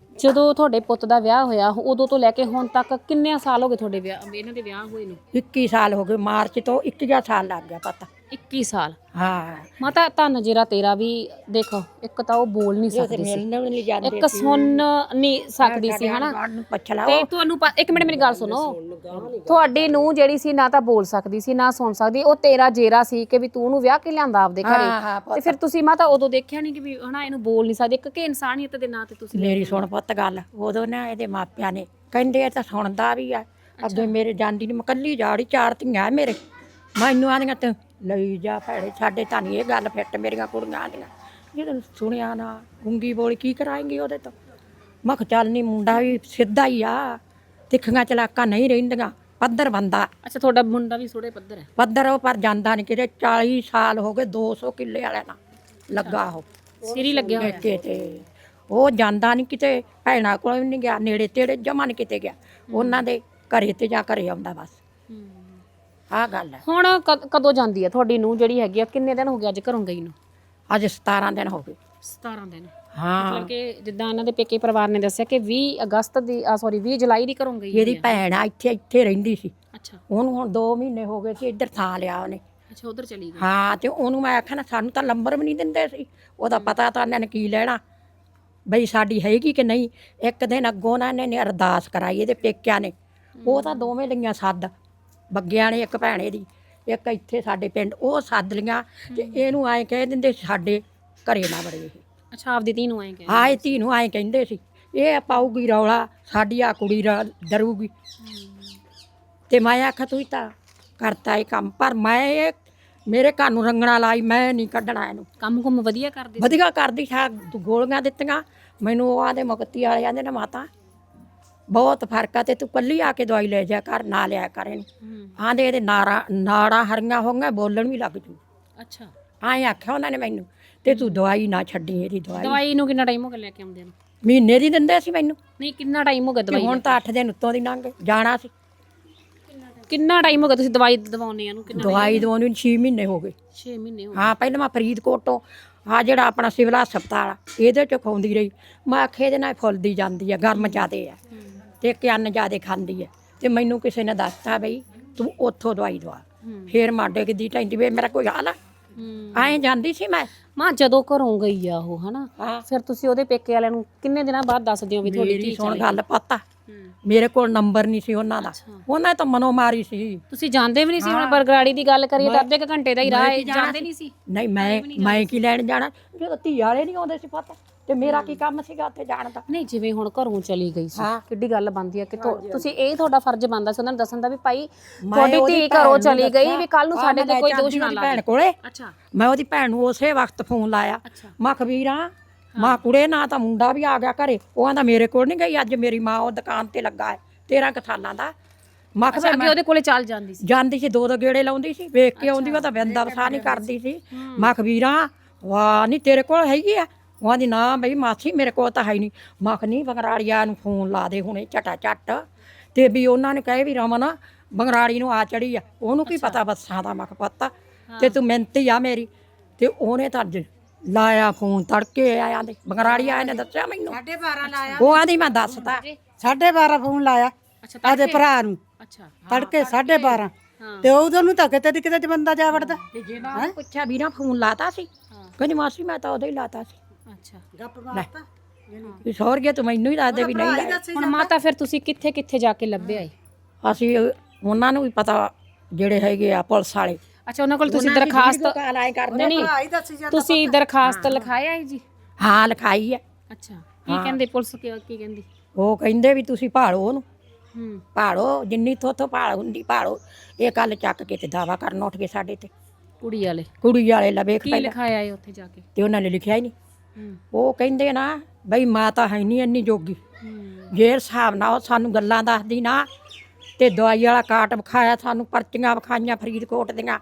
Speaker 1: ਜਦੋਂ ਤੁਹਾਡੇ ਪੁੱਤ ਦਾ ਵਿਆਹ ਹੋਇਆ ਉਦੋਂ ਤੋਂ ਲੈ ਕੇ ਹੁਣ ਤੱਕ ਕਿੰਨੇ ਸਾਲ ਹੋ ਗਏ ਤੁਹਾਡੇ ਵਿਆਹ ਇਹਨਾਂ ਦੇ ਵਿਆਹ ਹੋਏ ਨੂੰ?
Speaker 6: ਇੱਕੀ ਸਾਲ ਹੋ ਗਏ, ਮਾਰਚ ਤੋਂ ਇੱਕੀ ਸਾਲ ਲੱਗ ਗਿਆ ਪਤਾ।
Speaker 1: ਇੱਕੀ ਸਾਲ।
Speaker 6: ਹਾਂ
Speaker 1: ਮਾਤਾ ਧੰਨ ਜੇਰਾ ਤੇਰਾ ਵੀ ਦੇਖੋ, ਇੱਕ ਤਾਂ ਉਹ ਬੋਲ ਨਹੀਂ
Speaker 6: ਇਹ ਤੇ
Speaker 1: ਸਕਦੀ ਸੀ,
Speaker 6: ਮਿਲਣ ਵੀ ਨਹੀਂ ਜਾਂਦੇ
Speaker 1: ਇੱਕ ਸੁਣ ਨਹੀਂ ਸਕਦੀ ਸੀ ਹਨਾ।
Speaker 6: ਨੂੰ ਪੁੱਛ ਲਾ
Speaker 1: ਤੇ ਤੁਹਾਨੂੰ ਪ- ਇੱਕ ਮਿੰਟ ਮੇਰੀ ਗੱਲ ਸੁਣੋ, ਤੁਹਾਡੀ ਨੂੰ ਜਿਹੜੀ ਸੀ ਨਾ ਤਾਂ ਬੋਲ ਸਕਦੀ ਸੀ ਨਾ ਸੁਣ ਸਕਦੀ, ਉਹ ਤੇਰਾ ਜੇਰਾ ਸੀ ਕਿ ਵੀ ਤੂੰ ਉਹਨੂੰ ਵਿਆਹ ਕੇ ਲਿਆਂਦਾ ਆਪਦੇ
Speaker 6: ਹਾਂ,
Speaker 1: ਘਰੇ,
Speaker 6: ਹਾਂ,
Speaker 1: ਤੇ ਫਿਰ ਤੁਸੀਂ ਮਾਤਾ ਉਦੋਂ ਦੇਖਿਆ ਨਹੀਂ ਕਿ ਵੀ ਹਨਾ ਇਹਨੂੰ ਬੋਲ ਨਹੀਂ ਸਕਦੀ, ਇੱਕ ਕਿ ਇਨਸਾਨੀਅਤ ਦੇ ਨਾਂ ਤੇ ਤੁਸੀਂ
Speaker 6: ਮੇਰੀ ਸੁਣ ਪੁੱਤ ਗੱਲ, ਉਦੋਂ ਨਾ ਇਹਦੇ ਮਾਪਿਆਂ ਨੇ ਕਹਿੰਦੇ ਇਹ ਤਾਂ ਸੁਣਦਾ ਵੀ ਆ। ਅੱਗੇ ਮੇਰੇ ਜਾਂਦੀ ਨੂੰ ਮਕੱਲੀ ਜਾੜੀ, ਚਾਰ ਧੀਆਂ ਮੇਰੇ, ਮੈਨੂੰ ਆਂਦੀਆਂ ਤੂੰ ਲਈ ਜਾ ਭੈੜੇ, ਸਾਡੇ ਤਾਂ ਨਹੀਂ ਇਹ ਗੱਲ ਫਿੱਟ ਮੇਰੀਆਂ ਕੁੜੀਆਂ ਆਂਦੀਆਂ। ਜਦੋਂ ਸੁਣਿਆ ਨਾ ਗੁੰਗੀ ਬੋਲੀ ਕੀ ਕਰਾਏਂਗੀ ਉਹਦੇ ਤੋਂ। ਮੈਂ ਕਿਹਾ ਚੱਲ ਨਹੀਂ, ਮੁੰਡਾ ਵੀ ਸਿੱਧਾ ਹੀ ਆ, ਤਿੱਖੀਆਂ ਚਲਾਕਾਂ ਨਹੀਂ ਰਹਿੰਦੀਆਂ, ਪੱਧਰ ਬੰਦਾ।
Speaker 1: ਅੱਛਾ ਤੁਹਾਡਾ ਮੁੰਡਾ ਵੀ ਥੋੜੇ ਪੱਧਰ ਹੈ?
Speaker 6: ਪੱਧਰ ਉਹ ਪਰ ਜਾਂਦਾ ਨਹੀਂ ਕਿਤੇ, ਚਾਲੀ ਸਾਲ ਹੋ ਗਏ, ਦੋ ਸੌ ਕਿੱਲੇ ਵਾਲਿਆਂ ਨਾਲ ਲੱਗਾ ਉਹ
Speaker 1: ਸਿਰੀ ਲੱਗਿਆ ਹੋਇਆ।
Speaker 6: ਠੇਕੇ ਤੇ। ਉਹ ਜਾਂਦਾ ਨਹੀਂ ਕਿਤੇ, ਭੈਣਾਂ ਕੋਲ ਵੀ ਨਹੀਂ ਗਿਆ, ਨੇੜੇ ਤੇੜੇ ਜਮਾ ਨਹੀਂ ਕਿਤੇ ਗਿਆ, ਉਹਨਾਂ ਦੇ ਘਰੇ ਤੇ ਜਾ ਘਰੇ ਆਉਂਦਾ ਬਸ। ਆਹ ਗੱਲ ਹੈ।
Speaker 1: ਹੁਣ ਕਦ- ਕਦੋਂ ਜਾਂਦੀ ਹੈ ਤੁਹਾਡੀ ਨੂੰ ਜਿਹੜੀ ਹੈਗੀ ਆ? ਕਿੰਨੇ ਦਿਨ ਹੋ ਗਏ ਅੱਜ ਘਰੋਂ ਗਈ ਨੂੰ?
Speaker 6: ਅੱਜ ਸਤਾਰਾਂ ਦਿਨ ਹੋ ਗਏ।
Speaker 1: ਸਤਾਰਾਂ ਦਿਨ।
Speaker 6: ਹਾਂ
Speaker 1: ਮਤਲਬ ਕਿ ਜਿੱਦਾਂ ਇਹਨਾਂ ਦੇ ਪੇਕੇ ਪਰਿਵਾਰ ਨੇ ਦੱਸਿਆ ਕਿ ਵੀਹ ਅਗਸਤ ਦੀ ਆ ਸੌਰੀ ਵੀਹ ਜੁਲਾਈ ਦੀ ਘਰੋਂ ਗਈ
Speaker 6: ਇਹਦੀ
Speaker 1: ਹੋਈ ਆ।
Speaker 6: ਭੈਣ ਆ ਇੱਥੇ ਇੱਥੇ ਰਹਿੰਦੀ ਸੀ,
Speaker 1: ਅੱਛਾ
Speaker 6: ਉਹਨੂੰ ਹੁਣ ਦੋ ਮਹੀਨੇ ਹੋ ਗਏ ਸੀ, ਇੱਧਰ ਥਾਂ ਲਿਆ ਉਹਨੇ।
Speaker 1: ਅੱਛਾ ਉਧਰ ਚਲੀ ਗਈ।
Speaker 6: ਹਾਂ ਤੇ ਉਹਨੂੰ ਮੈਂ ਆਖਿਆ ਨਾ, ਸਾਨੂੰ ਤਾਂ ਲੰਬਰ ਵੀ ਨਹੀਂ ਦਿੰਦੇ ਸੀ, ਉਹਦਾ ਪਤਾ ਤਾਂ ਇਹਨਾਂ ਨੇ ਕੀ ਲੈਣਾ ਬਈ ਸਾਡੀ ਹੈਗੀ ਕਿ ਨਹੀਂ। ਇੱਕ ਦਿਨ ਅੱਗੋਂ ਨਾ ਇਹਨੇ ਨੇ ਅਰਦਾਸ ਕਰਾਈ ਇਹਦੇ ਪੇਕਿਆਂ ਨੇ, ਉਹ ਤਾਂ ਦੋਵੇਂ ਲਈਆਂ ਸੱਦ, ਬੱਗਿਆਂ ਨੇ ਇੱਕ ਭੈਣੇ ਦੀ, ਇੱਕ ਇੱਥੇ ਸਾਡੇ ਪਿੰਡ, ਉਹ ਸੱਦ ਲੀਆਂ ਤੇ ਇਹਨੂੰ ਐਂ ਕਹਿ ਦਿੰਦੇ ਸੀ ਸਾਡੇ ਘਰੇ ਨਾ ਵੜੇ ਇਹ।
Speaker 1: ਅੱਛਾ ਆਪਦੀ ਧੀ ਨੂੰ ਆਏ ਕਿ
Speaker 6: ਆਏ ਧੀ ਨੂੰ ਐਂ ਕਹਿੰਦੇ ਸੀ, ਇਹ ਪਾਊਗੀ ਰੌਲਾ, ਸਾਡੀ ਆ ਕੁੜੀ ਰ- ਡਰੂਗੀ। ਤੇ ਮੈਂ ਆਖਿਆ ਤੂੰ ਤਾਂ ਕਰਤਾ ਇਹ ਕੰਮ, ਪਰ ਮੈਂ ਇਹ ਮੇਰੇ ਘਰ ਨੂੰ ਰੰਗਣਾ ਲਾਈ, ਮੈਂ ਨਹੀਂ ਕੱਢਣਾ ਇਹਨੂੰ।
Speaker 1: ਕੰਮ ਕੁਮ ਵਧੀਆ ਕਰਦੇ?
Speaker 6: ਵਧੀਆ ਕਰਦੀ ਸੀ, ਗੋਲੀਆਂ ਦਿੱਤੀਆਂ ਮੈਨੂੰ, ਉਹ ਆਦੇ ਮੁਕਤੀ ਵਾਲੇ ਆਂਦੇ ਨਾ ਮਾਤਾ ਬਹੁਤ ਫਰਕ ਆ, ਤੇ ਤੂੰ ਕੱਲੀ ਆ ਕੇ ਦਵਾਈ ਲੈ ਜਾ ਕਰ, ਨਾ ਲਿਆ ਕਰ ਇਹਨੂੰ। ਆਂਦੇ ਇਹਦੇ ਨਾੜਾ ਨਾੜਾਂ ਹਰੀਆਂ ਹੋ ਗਈਆਂ, ਬੋਲਣ ਵੀ ਲੱਗ ਜੂ।
Speaker 1: ਅੱਛਾ
Speaker 6: ਐਂ ਆਖਿਆ ਉਹਨਾਂ ਨੇ ਮੈਨੂੰ, ਤੇ ਤੂੰ ਦਵਾਈ ਨਾ ਛੱਡੀ ਇਹਦੀ ਦਵਾਈ।
Speaker 1: ਦਵਾਈ ਨੂੰ ਕਿੰਨਾ ਟਾਈਮ ਹੋ ਗਿਆ ਲੈ ਕੇ ਆਉਂਦੇ ਨੂੰ?
Speaker 6: ਮਹੀਨੇ ਦੀ ਦਿੰਦੇ ਸੀ ਮੈਨੂੰ।
Speaker 1: ਨਹੀਂ ਕਿੰਨਾ ਟਾਈਮ ਹੋ ਗਿਆ
Speaker 6: ਤੇ
Speaker 1: ਦਵਾਈ?
Speaker 6: ਹੁਣ ਤਾਂ ਅੱਠ ਦਿਨ ਉੱਤੋਂ ਦੀ ਲੰਘ ਗਏ, ਜਾਣਾ ਸੀ।
Speaker 1: ਕਿੰਨਾ ਟਾਈਮ ਹੋ ਗਿਆ ਤੁਸੀਂ ਦਵਾਈ ਦਵਾਉਣੇ ਆ ਨੂੰ? ਕਿੰਨਾ?
Speaker 6: ਦਵਾਈ ਦਵਾਉਣ ਨੂੰ ਛੇ ਮਹੀਨੇ ਹੋ ਗਏ।
Speaker 1: ਛੇ ਮਹੀਨੇ ਹੋ
Speaker 6: ਹਾਂ ਪਹਿਲਾਂ ਮੈਂ ਫਰੀਦਕੋਟ ਤੋਂ ਆ ਜਿਹੜਾ ਆਪਣਾ ਸਿਵਲ ਹਸਪਤਾਲ ਆ ਇਹਦੇ ਚ ਖਾਉਂਦੀ ਰਹੀ। ਮੈਂ ਆਖੇ ਇਹਦੇ ਨਾਲ ਫੁੱਲਦੀ ਜਾਂਦੀ ਆ, ਗਰਮ ਜ਼ਿਆਦੇ ਆ ਤੇ ਕੰਨ ਜ਼ਿਆਦੇ ਖਾਂਦੀ ਆ। ਤੇ ਮੈਨੂੰ ਕਿਸੇ ਨੇ ਦੱਸਤਾ ਬਈ ਤੂੰ ਉੱਥੋਂ ਦਵਾਈ ਦਵਾ। ਫੇਰ ਮਾਡੇ ਕਿੱਦੀ ਟੈਂਦੀ ਵੇ ਮੇਰਾ ਕੋਈ ਹਾਲ ਆ। ਐਂ ਜਾਂਦੀ ਸੀ ਮੈਂ।
Speaker 1: ਮਾਂ ਜਦੋਂ ਘਰੋਂ ਗਈ ਆ ਉਹ ਹਨਾ,
Speaker 6: ਹਾਂ
Speaker 1: ਫਿਰ ਤੁਸੀਂ ਉਹਦੇ ਪੇਕੇ ਵਾਲਿਆਂ ਨੂੰ ਕਿੰਨੇ ਦਿਨਾਂ ਬਾਅਦ ਦੱਸਦੇ ਹੋ ਵੀ ਤੁਹਾਡੀ
Speaker 6: ਮੇਰੀ
Speaker 1: ਧੀ
Speaker 6: ਸੁਣ
Speaker 1: ਚਲੀ
Speaker 6: ਗੱਲ ਪਤਾ, ਮੇਰੇ ਕੋਲ ਨੰਬਰ ਨਹੀਂ ਸੀ ਉਹਨਾਂ ਦਾ, ਉਹਨਾਂ ਤਾਂ ਮਨੋਂ ਮਾਰੀ ਸੀ।
Speaker 1: ਤੁਸੀਂ ਜਾਂਦੇ ਵੀ ਨਹੀਂ ਸੀ? ਹੁਣ ਬਰਗਰਾੜੀ ਦੀ ਗੱਲ ਕਰੀਏ ਤਾਂ ਅੱਧੇ ਕੁ ਘੰਟੇ ਦਾ ਹੀ ਰਾਹ ਹੈ, ਜਾਂਦੇ ਨਹੀਂ ਸੀ?
Speaker 6: ਨਹੀਂ ਮੈਂ ਮੈਂ ਕੀ ਲੈਣ ਜਾਣਾ, ਜਦੋਂ ਧੀ ਵਾਲੇ ਨਹੀਂ ਆਉਂਦੇ ਸੀ ਪਤਾ, ਤੇ ਮੇਰਾ ਕੀ ਕੰਮ ਸੀਗਾ ਉੱਥੇ ਜਾਣ ਦਾ।
Speaker 1: ਨਹੀਂ ਜਿਵੇਂ ਹੁਣ ਘਰੋਂ ਚਲੀ ਗਈ ਸੀ,
Speaker 6: ਹਾਂ।
Speaker 1: ਕਿੱਡੀ ਗੱਲ ਬਣਦੀ ਆ ਕਿ ਤੁ- ਤੁਸੀਂ ਇਹ ਤੁਹਾਡਾ ਫਰਜ਼ ਬਣਦਾ ਸੀ ਉਹਨਾਂ ਨੂੰ ਦੱਸਣ ਦਾ ਵੀ ਭਾਈ
Speaker 6: ਮੈਂ
Speaker 1: ਤੁਹਾਡੀ
Speaker 6: ਉਹਦੀ
Speaker 1: ਧੀ
Speaker 6: ਭੈਣ
Speaker 1: ਘਰੋਂ
Speaker 6: ਨੂੰ
Speaker 1: ਚਲੀ ਗਈ,
Speaker 6: ਦੱਸਿਆ,
Speaker 1: ਵੀ ਕੱਲ ਨੂੰ
Speaker 6: ਆਹ
Speaker 1: ਸਾਡੇ
Speaker 6: ਮੈਂ
Speaker 1: ਤੇ ਕੋਈ
Speaker 6: ਜਾਂਦੀ
Speaker 1: ਦੋਸ਼ ਨਾ
Speaker 6: ਉਹਦੀ
Speaker 1: ਲਾਵੇ।
Speaker 6: ਭੈਣ ਕੋਲੇ
Speaker 1: ਅੱਛਾ
Speaker 6: ਮੈਂ ਉਹਦੀ ਭੈਣ ਨੂੰ ਉਸੇ ਵਕਤ ਫੋਨ ਲਾਇਆ, ਮਾਂ ਖਬੀਰਾਂ ਮਾਂ ਕੁੜੇ ਨਾ ਤਾਂ ਮੁੰਡਾ ਵੀ ਆ ਗਿਆ ਘਰੇ। ਉਹ ਆਂਦਾ ਮੇਰੇ ਕੋਲ ਨਹੀਂ ਗਈ ਅੱਜ, ਮੇਰੀ ਮਾਂ ਉਹ ਦੁਕਾਨ ਤੇ ਲੱਗਾ ਹੈ ਤੇਰਾਂ ਕੁ ਸਾਲਾਂ ਦਾ। ਮਾਂ
Speaker 1: ਅੱਛਾ
Speaker 6: ਖਬਰ
Speaker 1: ਅੱਗੇ ਉਹਦੇ ਕੋਲੇ ਚੱਲ ਜਾਂਦੀ ਸੀ?
Speaker 6: ਜਾਂਦੀ ਸੀ, ਦੋ ਦੋ ਗੇੜੇ ਲਾਉਂਦੀ ਸੀ, ਵੇਖ ਕੇ ਆਉਂਦੀ, ਉਹ ਤਾਂ ਬਿੰਦਾ ਵਸਾ ਨਹੀਂ ਕਰਦੀ ਸੀ। ਮਾਂ ਖਬੀਰਾਂ ਵਾਹ ਨਹੀਂ ਤੇਰੇ ਕੋਲ ਹੈਗੀ ਆ? ਉਹ ਆਂਦੀ ਨਾ ਬਈ ਮਾਸੀ ਮੇਰੇ ਕੋਲ ਤਾਂ ਹੈ ਨਹੀਂ। ਮਾਂ ਖ ਨਹੀਂ ਬੰਗਰਾੜੀਆਂ ਨੂੰ ਫੋਨ ਲਾ ਦੇ ਹੁਣੇ ਝਟਾ ਝੱਟ, ਤੇ ਵੀ ਉਹਨਾਂ ਨੇ ਕਹੇ ਵੀ ਰਮਨ ਬੰਗਰਾੜੀ ਨੂੰ ਆ ਚੜੀ ਆ, ਉਹਨੂੰ ਕੀ ਪਤਾ ਬੱਸਾਂ ਦਾ। ਮੱਖ ਪਤਾ ਤੇ ਤੂੰ ਮਿਹਨਤੀ ਆ ਮੇਰੀ। ਤੇ ਉਹਨੇ ਤਾਂ ਅੱਜ ਲਾਇਆ ਫੋਨ, ਤੜਕੇ ਆਇਆ ਦੇ ਬੰਗਰਾੜੀ ਆਏ ਨੇ ਦੱਸਿਆ ਮੈਨੂੰ। ਸਾਢੇ ਬਾਰਾਂ ਲਾਇਆ, ਉਹ ਆਂਦੀ ਮੈਂ ਦੱਸਤਾ।
Speaker 9: ਸਾਢੇ ਬਾਰਾਂ ਫੋਨ ਲਾਇਆ
Speaker 1: ਅੱਛਾ
Speaker 9: ਆਦੇ ਭਰਾ ਨੂੰ,
Speaker 1: ਅੱਛਾ
Speaker 9: ਤੜਕੇ ਸਾਢੇ ਬਾਰਾਂ ਤੇ ਉਦੋਂ ਨੂੰ ਤਾਂ ਕਿਤੇ ਦੀ ਕਿਤੇ ਚ ਬੰਦਾ ਜਾ ਵੜਦਾ।
Speaker 6: ਤੇ ਜੇ ਮੈਂ ਉਹਨੂੰ ਪੁੱਛਿਆ ਵੀਰਾ ਫੋਨ ਲਾਤਾ ਸੀ, ਕਹਿੰਦੀ ਮਾਸੀ ਮੈਂ ਤਾਂ ਉਦੋਂ ਹੀ ਲਾਤਾ ਸੀ।
Speaker 1: ਅੱਛਾ
Speaker 9: ਗੱਪ ਮਾਰਤਾ
Speaker 6: ਵੀ ਸੌਰਗੇ ਤੂੰ ਮੈਨੂੰ ਹੀ ਦੱਸ ਦੇ ਵੀ ਨਹੀਂ ਲਾਇਆ।
Speaker 1: ਹੁਣ ਮਾਤਾ ਫਿਰ ਤੁਸੀਂ ਕਿੱਥੇ ਕਿੱਥੇ ਜਾ ਕੇ ਲੱਭੇ ਆਏ?
Speaker 6: ਅਸੀਂ ਉਹਨਾਂ ਨੂੰ ਵੀ ਪਤਾ ਜਿਹੜੇ ਹੈਗੇ ਆ ਪੁਲਿਸ ਵਾਲੇ।
Speaker 1: ਅੱਛਾ ਉਹਨਾਂ ਕੋਲ ਤੁਸੀਂ ਦਰਖਾਸਤ
Speaker 6: ਕਾਲ ਆਏ ਕਰਦੇ
Speaker 1: ਨਹੀਂ
Speaker 9: ਭਰਾ ਹੀ ਦੱਸੀ ਜਾਂਦਾ।
Speaker 1: ਤੁਸੀਂ ਦਰਖਾਸਤ ਲਿਖਾਇਆ ਹੈ ਜੀ?
Speaker 6: ਹਾਂ ਲਿਖਾਈ ਹੈ।
Speaker 1: ਅੱਛਾ ਕੀ ਕਹਿੰਦੇ ਪੁਲਿਸ ਕੀ ਕੀ ਕਹਿੰਦੀ?
Speaker 6: ਉਹ ਕਹਿੰਦੇ ਵੀ ਤੁਸੀਂ ਭਾਲੋ ਉਹਨੂੰ,
Speaker 1: ਹੂੰ
Speaker 6: ਭਾਲੋ ਜਿੰਨੀ ਥੋਥੋਂ ਭਾਲ ਹੁੰਦੀ ਭਾਲੋ। ਇਹ ਕੱਲ ਚੱਕ ਕੇ ਤੇ ਦਾਵਾ ਕਰਨ ਉੱਠ ਗਏ ਸਾਡੇ ਤੇ,
Speaker 1: ਕੁੜੀ ਵਾਲੇ
Speaker 6: ਕੁੜੀ ਵਾਲੇ ਲਵੇਖ
Speaker 1: ਕੀ
Speaker 6: ਪਹਿਲਾਂ,
Speaker 1: ਲਿਖਾਇਆ ਹੈ ਉੱਥੇ ਜਾ ਕੇ?
Speaker 6: ਤੇ ਉਹਨਾਂ ਨੇ ਲਿਖਿਆ ਹੀ ਨਹੀਂ।
Speaker 1: ਹੂੰ
Speaker 6: ਉਹ ਕਹਿੰਦੇ ਨਾ ਬਈ ਮਾਂ ਤਾਂ ਹੈ ਨਹੀਂ ਇੰਨੀ ਜੋਗੀ। ਜੇ ਹਿਸਾਬ ਨਾਲ ਉਹ ਸਾਨੂੰ ਗੱਲਾਂ ਦੱਸਦੀ ਨਾ, ਤੇ ਦਵਾਈ ਵਾਲਾ ਕਾਟ ਵਿਖਾਇਆ ਸਾਨੂੰ, ਪਰਚੀਆਂ ਵਿਖਾਈਆਂ ਫਰੀਦਕੋਟ ਦੀਆਂ,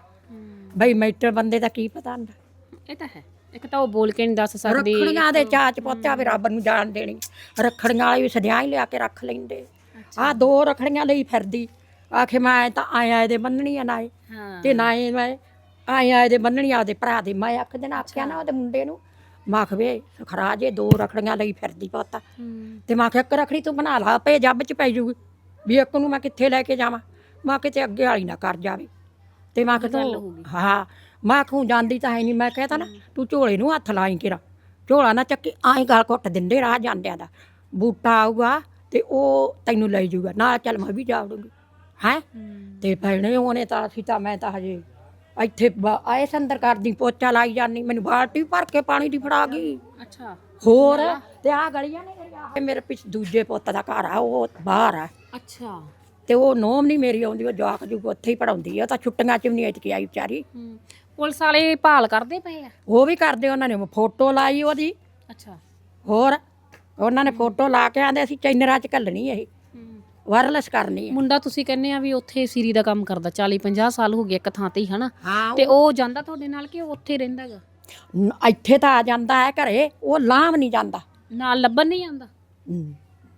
Speaker 6: ਬਈ ਮੈਟਰ ਬੰਦੇ ਦਾ ਕੀ ਪਤਾ ਹੁੰਦਾ।
Speaker 1: ਇਹ ਤਾਂ ਹੈ, ਇੱਕ ਤਾਂ ਉਹ ਬੋਲ ਕੇ ਨਹੀਂ ਦੱਸ ਸਕਦੀ।
Speaker 6: ਰੱਖੜੀਆਂ ਦੇ ਚਾਚ ਪੋਤਿਆ ਵੀ ਰੱਬ ਨੂੰ ਜਾਣ ਦੇਣੀ। ਰੱਖੜੀਆਂ ਵਾਲੇ ਵੀ ਸਦਿਆਂ ਹੀ ਲਿਆ ਕੇ ਰੱਖ ਲੈਂਦੇ। ਆਹ ਦੋ ਰੱਖੜੀਆਂ ਲਈ ਫਿਰਦੀ, ਆਖੇ ਮੈਂ ਤਾਂ ਆਇਆ ਇਹਦੇ ਬੰਨਣੀਆਂ ਨਾ ਏ,
Speaker 1: ਹਾਂ
Speaker 6: ਤੇ ਨਾ ਇਹ ਮੈਂ ਆਇਆ ਇਹਦੇ ਬੰਨਣੀਆਂ ਉਹਦੇ ਭਰਾ ਦੇ। ਮੈਂ ਆਖ ਦਿਨ ਆਖਿਆ ਨਾ ਉਹਦੇ ਮੁੰਡੇ ਨੂੰ, ਮੈਂ ਕਿਹਾ ਵੇ ਖਰਾਜੇ ਦੋ ਰਖੜੀਆਂ ਲਈ ਫਿਰਦੀ ਪੁੱਤ ਤੇ ਮੈਂ ਕਿਹਾ ਇੱਕ ਰਖੜੀ ਤੂੰ ਬਣਾ ਲਾ ਪਏ ਜੱਬ ਚ ਪੈ ਜੂਗੀ ਵੀ ਇੱਕ ਨੂੰ ਮੈਂ ਕਿੱਥੇ ਲੈ ਕੇ ਜਾਵਾਂ ਮੈਂ ਕਿਤੇ ਅੱਗੇ ਵਾਲੀ ਨਾ ਕਰ ਜਾਵੇ ਤੇ ਮੈਂ ਕਿਹਾ ਤੂੰ ਹਾਂ ਮੈਂ ਕਿਉਂ ਜਾਂਦੀ ਤਾਂ ਹੈ ਨਹੀਂ ਮੈਂ ਕਹਿਤਾ ਨਾ ਤੂੰ ਝੋਲੇ ਨੂੰ ਹੱਥ ਲਾਈ ਕਿਰਾ ਝੋਲਾ ਨਾ ਚੱਕੀ ਆਈ ਗਲ ਘੁੱਟ ਦਿੰਦੇ ਰਾਹ ਜਾਂਦਿਆਂ ਦਾ ਬੂਟਾ ਆਊਗਾ ਤੇ ਉਹ ਤੈਨੂੰ ਲੈ ਜਾਊਗਾ ਨਾਲ ਚੱਲ ਮੈਂ ਵੀ ਜਾਵੜੂਗੀ ਹੈਂ ਤੇ ਭੈਣੇ ਉਹਨੇ ਤਾਂ ਅਸੀਂ ਤਾਂ ਮੈਂ ਤਾਂ ਹਜੇ ਇੱਥੇ ਆਏ ਸੰਦਰ ਕਰਦੀ ਪੋਚਾ ਲਾਈ ਜਾਂਦੀ ਮੈਨੂੰ ਬਾਲਟੀ ਭਰ ਕੇ ਪਾਣੀ ਦੀ ਫੜਾ ਗਈ
Speaker 1: ਅੱਛਾ
Speaker 6: ਹੋਰ ਤੇ ਆ ਗਲੀਆਂ ਨੇ ਮੇਰੇ ਪਿੱਛੇ ਦੂਜੇ ਪੁੱਤ ਦਾ ਘਰ ਆ ਉਹ ਬਾਹਰ ਆ
Speaker 1: ਅੱਛਾ
Speaker 6: ਤੇ ਉਹ ਨੋਮ ਨਹੀਂ ਮੇਰੀ ਆਉਂਦੀ ਉਹ ਜਵਾਕ ਜੂ ਉੱਥੇ ਹੀ ਪੜਾਉਂਦੀ ਆ ਉਹ ਤਾਂ ਛੁੱਟੀਆਂ ਚ ਵੀ ਨਹੀਂ ਇਤਕੀ ਆਈ ਵਿਚਾਰੀ
Speaker 1: ਪੁਲਿਸ ਵਾਲੇ ਭਾਲ ਕਰਦੇ ਪਏ ਆ
Speaker 6: ਉਹ ਵੀ ਕਰਦੇ ਉਹਨਾਂ ਨੇ ਫੋਟੋ ਲਾਈ ਉਹਦੀ
Speaker 1: ਅੱਛਾ
Speaker 6: ਹੋਰ ਉਹਨਾਂ ਨੇ ਫੋਟੋ ਲਾ ਕੇ ਆਂਦੇ ਅਸੀਂ ਚੈਨਰਾਂ ਚ ਘੱਲਣੀ ਇਹ ਵਾਇਰਲੈਸ ਕਰਨੀ ਹੈ
Speaker 1: ਮੁੰਡਾ ਤੁਸੀਂ ਕਹਿੰਦੇ ਆ ਵੀ ਉੱਥੇ ਸੀਰੀ ਦਾ ਕੰਮ ਕਰਦਾ ਚਾਲੀ ਪੰਜਾਹ ਸਾਲ ਹੋ ਗਏ ਇੱਕ ਥਾਂ ਤੇ ਹੀ ਹਨਾ
Speaker 6: ਹਾਂ
Speaker 1: ਤੇ ਉਹ ਜਾਂਦਾ ਤੁਹਾਡੇ ਨਾਲ ਕਿ ਉਹ ਉੱਥੇ ਰਹਿੰਦਾ ਹੈਗਾ
Speaker 6: ਨ- ਇੱਥੇ ਤਾਂ ਆ ਜਾਂਦਾ ਹੈ ਘਰੇ ਉਹ ਲਾਂਭ ਨਹੀਂ ਜਾਂਦਾ
Speaker 1: ਨਾਲ ਲੱਭਣ ਨਹੀਂ ਜਾਂਦਾ
Speaker 6: ਹਮ।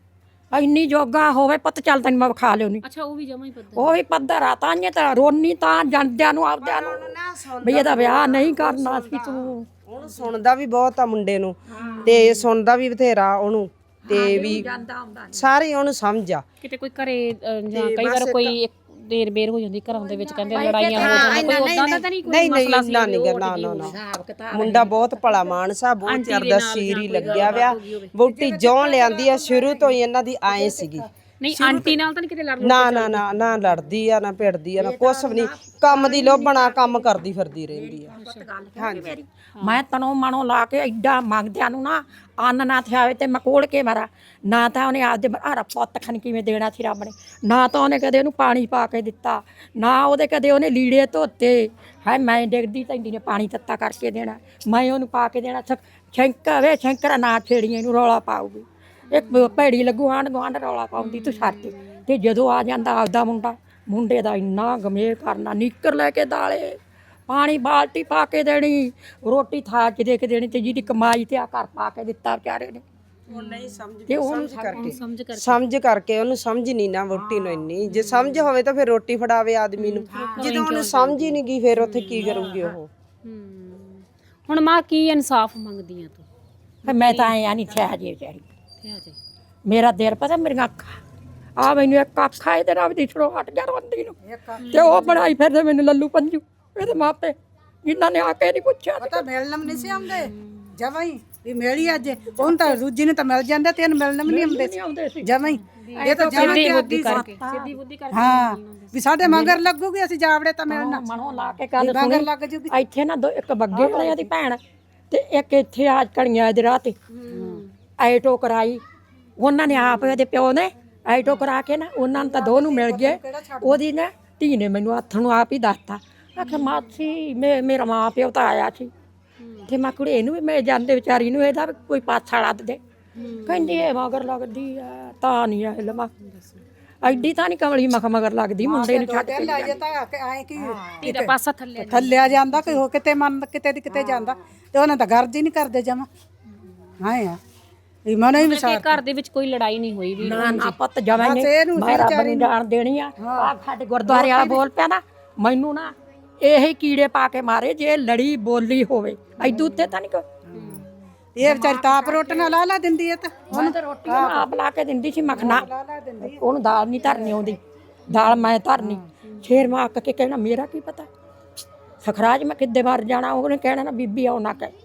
Speaker 6: ਇੰਨੀ ਜੋਗਾ ਹੋਵੇ ਪੁੱਤ ਚੱਲ ਤੈਨੂੰ ਮੈਂ ਵਿਖਾ ਲਿਓਨੀ
Speaker 1: ਅੱਛਾ ਉਹ ਵੀ ਜਮਾ ਹੀ ਪੱਧਰ
Speaker 6: ਉਹ ਵੀ ਪੱਧਰ ਆ ਤਾਂ ਇਹ ਤਾਂ ਰੋਨੀ ਤਾਂ ਜਾਂਦਿਆਂ ਨੂੰ ਆਪਦਿਆਂ ਨੂੰ ਵੀ ਇਹਦਾ ਵਿਆਹ ਨਹੀਂ ਕਰਨਾ ਸੀ ਤੂੰ
Speaker 10: ਉਹਨੂੰ ਸੁਣਦਾ ਵੀ ਬਹੁਤ ਆ ਮੁੰਡੇ ਨੂੰ ਤੇ ਸੁਣਦਾ ਵੀ ਬਥੇਰਾ ਉਹਨੂੰ ਤੇ ਵੀ ਸਾਰੇ ਉਹਨੂੰ ਸਮਝ ਆ
Speaker 1: ਕਿਤੇ ਕੋਈ ਘਰੇ ਅਹ, ਜਾਂ ਕਈ ਵਾਰ ਕੋਈ ਇੱਕ ਦੇਰ ਬੇਰ ਹੋ ਜਾਂਦੀ ਘਰਾਂ ਦੇ ਵਿੱਚ ਕਹਿੰਦੇ ਲੜਾਈਆਂ ਹੋ ਜਾਂਦੀਆਂ ਕੋਈ ਉਦਾਂ ਦਾ ਤਾਂ ਨਹੀਂ ਕੋਈ
Speaker 10: ਨਹੀਂ ਨਹੀਂ
Speaker 1: ਮਸਲਾ ਸੀ
Speaker 10: ਨਾ
Speaker 1: ਵੀ ਉਹ
Speaker 10: ਨਹੀਂ
Speaker 1: ਅਟ
Speaker 10: ਨਾ
Speaker 1: ਗਈ
Speaker 10: ਨਾ
Speaker 1: ਹੋਵੇ।
Speaker 10: ਨਾ ਮੁੰਡਾ ਬਹੁਤ ਭਲਾ ਮਾਨਸ ਆ ਬਹੁਤ ਚਿਰ ਦਾ ਸੀਰ ਹੀ ਲੱਗਿਆ ਵਿਆ ਵੋਟੀ ਜੌਂ ਲਿਆਂਦੀ ਆ ਸ਼ੁਰੂ ਤੋਂ ਹੀ ਇਹਨਾਂ ਦੀ ਆਏ ਸੀਗੀ
Speaker 1: ਨਹੀਂ ਆਂਟੀ ਨਾਲ ਤਾਂ ਨਹੀਂ ਕਿਤੇ ਲੜ ਲੜ
Speaker 10: ਨਾ ਨਾ ਨਾ ਨਾ ਲੜਦੀ ਆ ਨਾ ਭਿੜਦੀ ਆ ਨਾ ਕੁਛ ਵੀ ਨਹੀਂ ਕੰਮ ਦੀ ਲੋਭਣਾ ਕੰਮ ਕਰਦੀ ਫਿਰਦੀ ਰਹਿੰਦੀ ਆ
Speaker 6: ਹਾਂਜੀ ਮੈਂ ਤਨੋਂ ਮਨੋਂ ਲਾ ਕੇ ਐਡਾ ਮੰਗਦਿਆਂ ਨੂੰ ਨਾ ਅੰਨ ਨਾ ਥਿਆਵੇ ਤੇ ਮੈਂ ਕੋਲ ਕੇ ਮਰਾਂ ਨਾ ਤਾਂ ਉਹਨੇ ਆਪਦੇ ਆਰਾ ਪੁੱਤ ਖਣ ਕਿਵੇਂ ਦੇਣਾ ਸੀ ਰੱਬ ਨੇ ਨਾ ਤਾਂ ਉਹਨੇ ਕਦੇ ਉਹਨੂੰ ਪਾਣੀ ਪਾ ਕੇ ਦਿੱਤਾ ਨਾ ਉਹਦੇ ਕਦੇ ਉਹਨੇ ਲੀੜੇ ਧੋਤੇ ਹੈ ਮੈਂ ਡਿੱਗਦੀ ਤੈਂਦੀ ਨੇ ਪਾਣੀ ਤੱਤਾ ਕਰਕੇ ਦੇਣਾ ਮੈਂ ਉਹਨੂੰ ਪਾ ਕੇ ਦੇਣਾ ਛੈਂਕਾ ਵੇ ਛੈਂਕਰਾ ਨਾ ਛੇੜੀਆਂ ਇਹਨੂੰ ਰੌਲਾ ਪਾਊਗੀ ਇੱਕ ਭੈੜੀ ਲੱਗੂ ਆਂਢ ਗੁਆਂਢ ਰੌਲਾ ਪਾਉਂਦੀ ਤੂੰ ਛੱਡ ਤੇ ਜਦੋਂ ਆ ਜਾਂਦਾ ਆਪਦਾ ਮੁੰਡਾ ਮੁੰਡੇ ਦਾ ਇੰਨਾ ਗਮੇ ਕਰਨਾ ਨੀਕਰ ਲੈ ਕੇ ਦਾਲੇ ਪਾਣੀ ਬਾਲਟੀ ਪਾ ਕੇ ਦੇਣੀ ਰੋਟੀ ਥਾਲ 'ਚ ਦੇ ਕੇ ਦੇਣੀ ਤੇ ਜਿਹਦੀ ਕਮਾਈ ਤੇ ਆ ਘਰ ਪਾ ਕੇ ਦਿੱਤਾ ਵਿਚਾਰੇ ਨੇ
Speaker 10: ਉਹ ਨਹੀਂ ਸਮਝ
Speaker 6: ਤੇ ਉਹਨੂੰ
Speaker 10: ਸਮਝ ਕਰਕੇ
Speaker 1: ਸਮਝ ਕਰ
Speaker 10: ਸਮਝ ਕਰਕੇ ਉਹਨੂੰ ਸਮਝ ਨਹੀਂ ਨਾ ਵੋਟੀ ਨੂੰ ਇੰਨੀ ਜੇ ਸਮਝ ਹੋਵੇ ਤਾਂ ਫਿਰ ਰੋਟੀ ਫੜਾਵੇ ਆਦਮੀ ਨੂੰ ਜਦੋਂ ਉਹਨੂੰ ਸਮਝ ਹੀ ਨਹੀਂ ਗਈ ਫਿਰ ਉੱਥੇ ਕੀ ਕਰੂਗੀ ਉਹ
Speaker 1: ਹੁਣ ਮਾਂ ਕੀ ਇਨਸਾਫ ਮੰਗਦੀ ਆ ਤੂੰ
Speaker 6: ਫਿਰ ਮੈਂ ਤਾਂ ਐਂ ਨਹੀਂ ਥਿਆ ਜੇ ਵਿਚਾਰੀ
Speaker 1: ਕਿਹਾ ਜੇ
Speaker 6: ਮੇਰਾ ਦਿਲ ਪਤਾ ਮੇਰੀਆਂ ਅੱਖਾਂ ਆ ਮੈਨੂੰ ਇੱਕ ਅੱਖਾਂ ਇਹਦੇ ਨਾਲ ਦੀ ਛੜੋ ਹਟ ਗਿਆ ਰੋਂਦੀ ਨੂੰ ਤੇ ਉਹ ਬਣਾਈ ਫਿਰਦੇ ਮੈਨੂੰ ਲੱਲੂ ਪੰਜੂ ਇਹਦੇ ਮਾਪੇ ਜਿਨ੍ਹਾਂ ਨੇ ਆ ਕੇ ਨਹੀਂ ਪੁੱਛਿਆ
Speaker 9: ਪਤਾ ਮਿਲਣ ਨਹੀਂ ਸੀ ਆਉਂਦੇ ਜਮਾਂ ਹੀ ਵੀ ਮਿਲੀ ਅੱਜ ਉਹਨੂੰ ਤਾਂ ਦੂਜੀ ਨੂੰ ਤਾਂ ਮਿਲ ਜਾਂਦਾ ਤੇ ਇਹਨੂੰ ਮਿਲਣ ਵੀ ਨਹੀਂ ਆਉਂਦੇ ਸੀ
Speaker 6: ਆਉਂਦੇ ਸੀ
Speaker 9: ਜਮਾਂ ਹੀ ਇਹ ਤਾਂ ਜਮਾਂ
Speaker 1: ਸਿੱਧੀ
Speaker 9: ਹੀ
Speaker 1: ਬੁੱਧੀ
Speaker 9: ਅੱਧੀ
Speaker 1: ਕਰਕੇ ਸਿੱਧੀ ਬੁੱਧੀ ਕਰਕੇ
Speaker 9: ਹਾਂ ਵੀ ਸਾਡੇ ਮਗਰ ਲੱਗੂਗੀ ਅਸੀਂ ਜਾਵੜੇ ਤਾਂ ਮਿਲਣਾ
Speaker 6: ਮਨੋਂ ਲਾ ਕੇ ਗੱਲ
Speaker 9: ਮਗਰ
Speaker 6: ਸੁਣੀ
Speaker 9: ਲੱਗ ਜੂਗੀ
Speaker 6: ਇੱਥੇ ਨਾ ਦੋ ਇੱਕ ਬੱਗੇ ਵਾਲਿਆਂ ਦੀ ਭੈਣ ਤੇ ਇੱਕ ਇੱਥੇ ਆ ਕਣੀਆਂ ਇਹਦੇ ਰਾਹ ਤੇ ਐਟੋ ਕਰਾਈ ਉਹਨਾਂ ਨੇ ਆਪ ਉਹਦੇ ਪਿਓ ਨੇ ਐਟੋ ਕਰਾ ਕੇ ਨਾ ਉਹਨਾਂ ਨੂੰ ਤਾਂ ਦੋ ਨੂੰ ਮਿਲ ਗਏ ਉਹਦੀ ਨਾ ਧੀ ਨੇ ਮੈਨੂੰ ਹੱਥ ਨੂੰ ਆਪ ਹੀ ਦੱਸਤਾ ਆਖਿਆ ਮਾਸੀ ਮੇ ਮੇਰਾ ਮਾਂ ਪਿਓ ਤਾਂ ਆਇਆ ਸੀ ਤੇ ਮੈਂ ਕੁੜੀ ਇਹਨੂੰ ਵੀ ਮੈਂ ਜਾਂਦੇ ਵਿਚਾਰੀ ਨੂੰ ਇਹਦਾ ਵੀ ਕੋਈ ਪਾਸਾ ਲੱਦ ਦੇ ਕਹਿੰਦੀ ਇਹ ਮਗਰ ਲੱਗਦੀ ਆ ਤਾਂ ਨਹੀਂ ਆ ਲਮਾ ਐਡੀ ਤਾਂ ਨਹੀਂ ਕਮਲੀ ਮਖ ਮਗਰ ਲੱਗਦੀ ਮੁੰਡੇ ਨੂੰ ਛੱਡ ਕੇ
Speaker 9: ਲੈ ਜੇ ਤਾਂ ਐ ਕੀ
Speaker 1: ਇਹਦਾ ਪਾਸਾ ਥੱਲੇ
Speaker 9: ਥੱਲਿਆ ਜਾਂਦਾ ਕਿ ਉਹ ਕਿਤੇ ਮਨ ਕਿਤੇ ਦੀ ਕਿਤੇ ਜਾਂਦਾ ਤੇ ਉਹਨਾਂ ਤਾਂ ਗਰਜ ਹੀ ਨਹੀਂ ਕਰਦੇ ਜਮਾ ਹਾਂ ਆ ਇਹ ਮਨ ਹੀ
Speaker 1: ਕਿ
Speaker 9: ਵਿਸਾਰ
Speaker 1: ਘਰ ਦੇ ਵਿੱਚ ਕੋਈ ਲੜਾਈ ਨਹੀਂ ਹੋਈ ਵੀ
Speaker 6: ਨਾ ਨਾ ਪੁੱਤ ਜਮਾਂ ਹੀ ਨਹੀਂ ਮੈਂ ਰੱਬ ਨੂੰ ਜਾਣ ਦੇਣੀ ਆ ਆ ਸਾਡੇ ਗੁਰਦੁਆਰੇ ਵਾਲਾ ਬੋਲ ਪਿਆ ਨਾ ਮੈਨੂੰ ਨਾ ਇਹੀ ਕੀੜੇ ਪਾ ਕੇ ਮਾਰੇ ਜੇ ਲੜੀ ਬੋਲੀ ਹੋਵੇ ਐਦੂ ਉੱਤੇ ਤਾਂ ਨਹੀਂ ਕੋਈ
Speaker 9: ਇਹ ਵਿਚਾਰੀ ਤਾਪ ਰੋਟੀਆਂ ਲਾ ਲਾ ਦਿੰਦੀ ਹੈ ਤਾਂ
Speaker 6: ਉਹਨੂੰ ਤਾਂ ਰੋਟੀ ਮੈਂ ਆਪ ਲਾ ਕੇ ਦਿੰਦੀ ਸੀ ਮਖਣਾ ਉਹਨੂੰ ਦਾਲ ਨਹੀਂ ਧਰਨੀ ਆਉਂਦੀ ਦਾਲ ਮੈਂ ਧਰਨੀ ਸ਼ੇਰ ਮੈਂ ਅੱਕ ਕੇ ਕਹਿਣਾ ਮੇਰਾ ਕੀ ਪਤਾ ਸਖਰਾਜ ਮੈਂ ਕਿੱਦੇ ਬਾਹਰ ਜਾਣਾ ਉਹਨੇ ਕਹਿਣਾ ਨਾ ਬੀਬੀ ਆਉ ਨਾ ਕਹਿ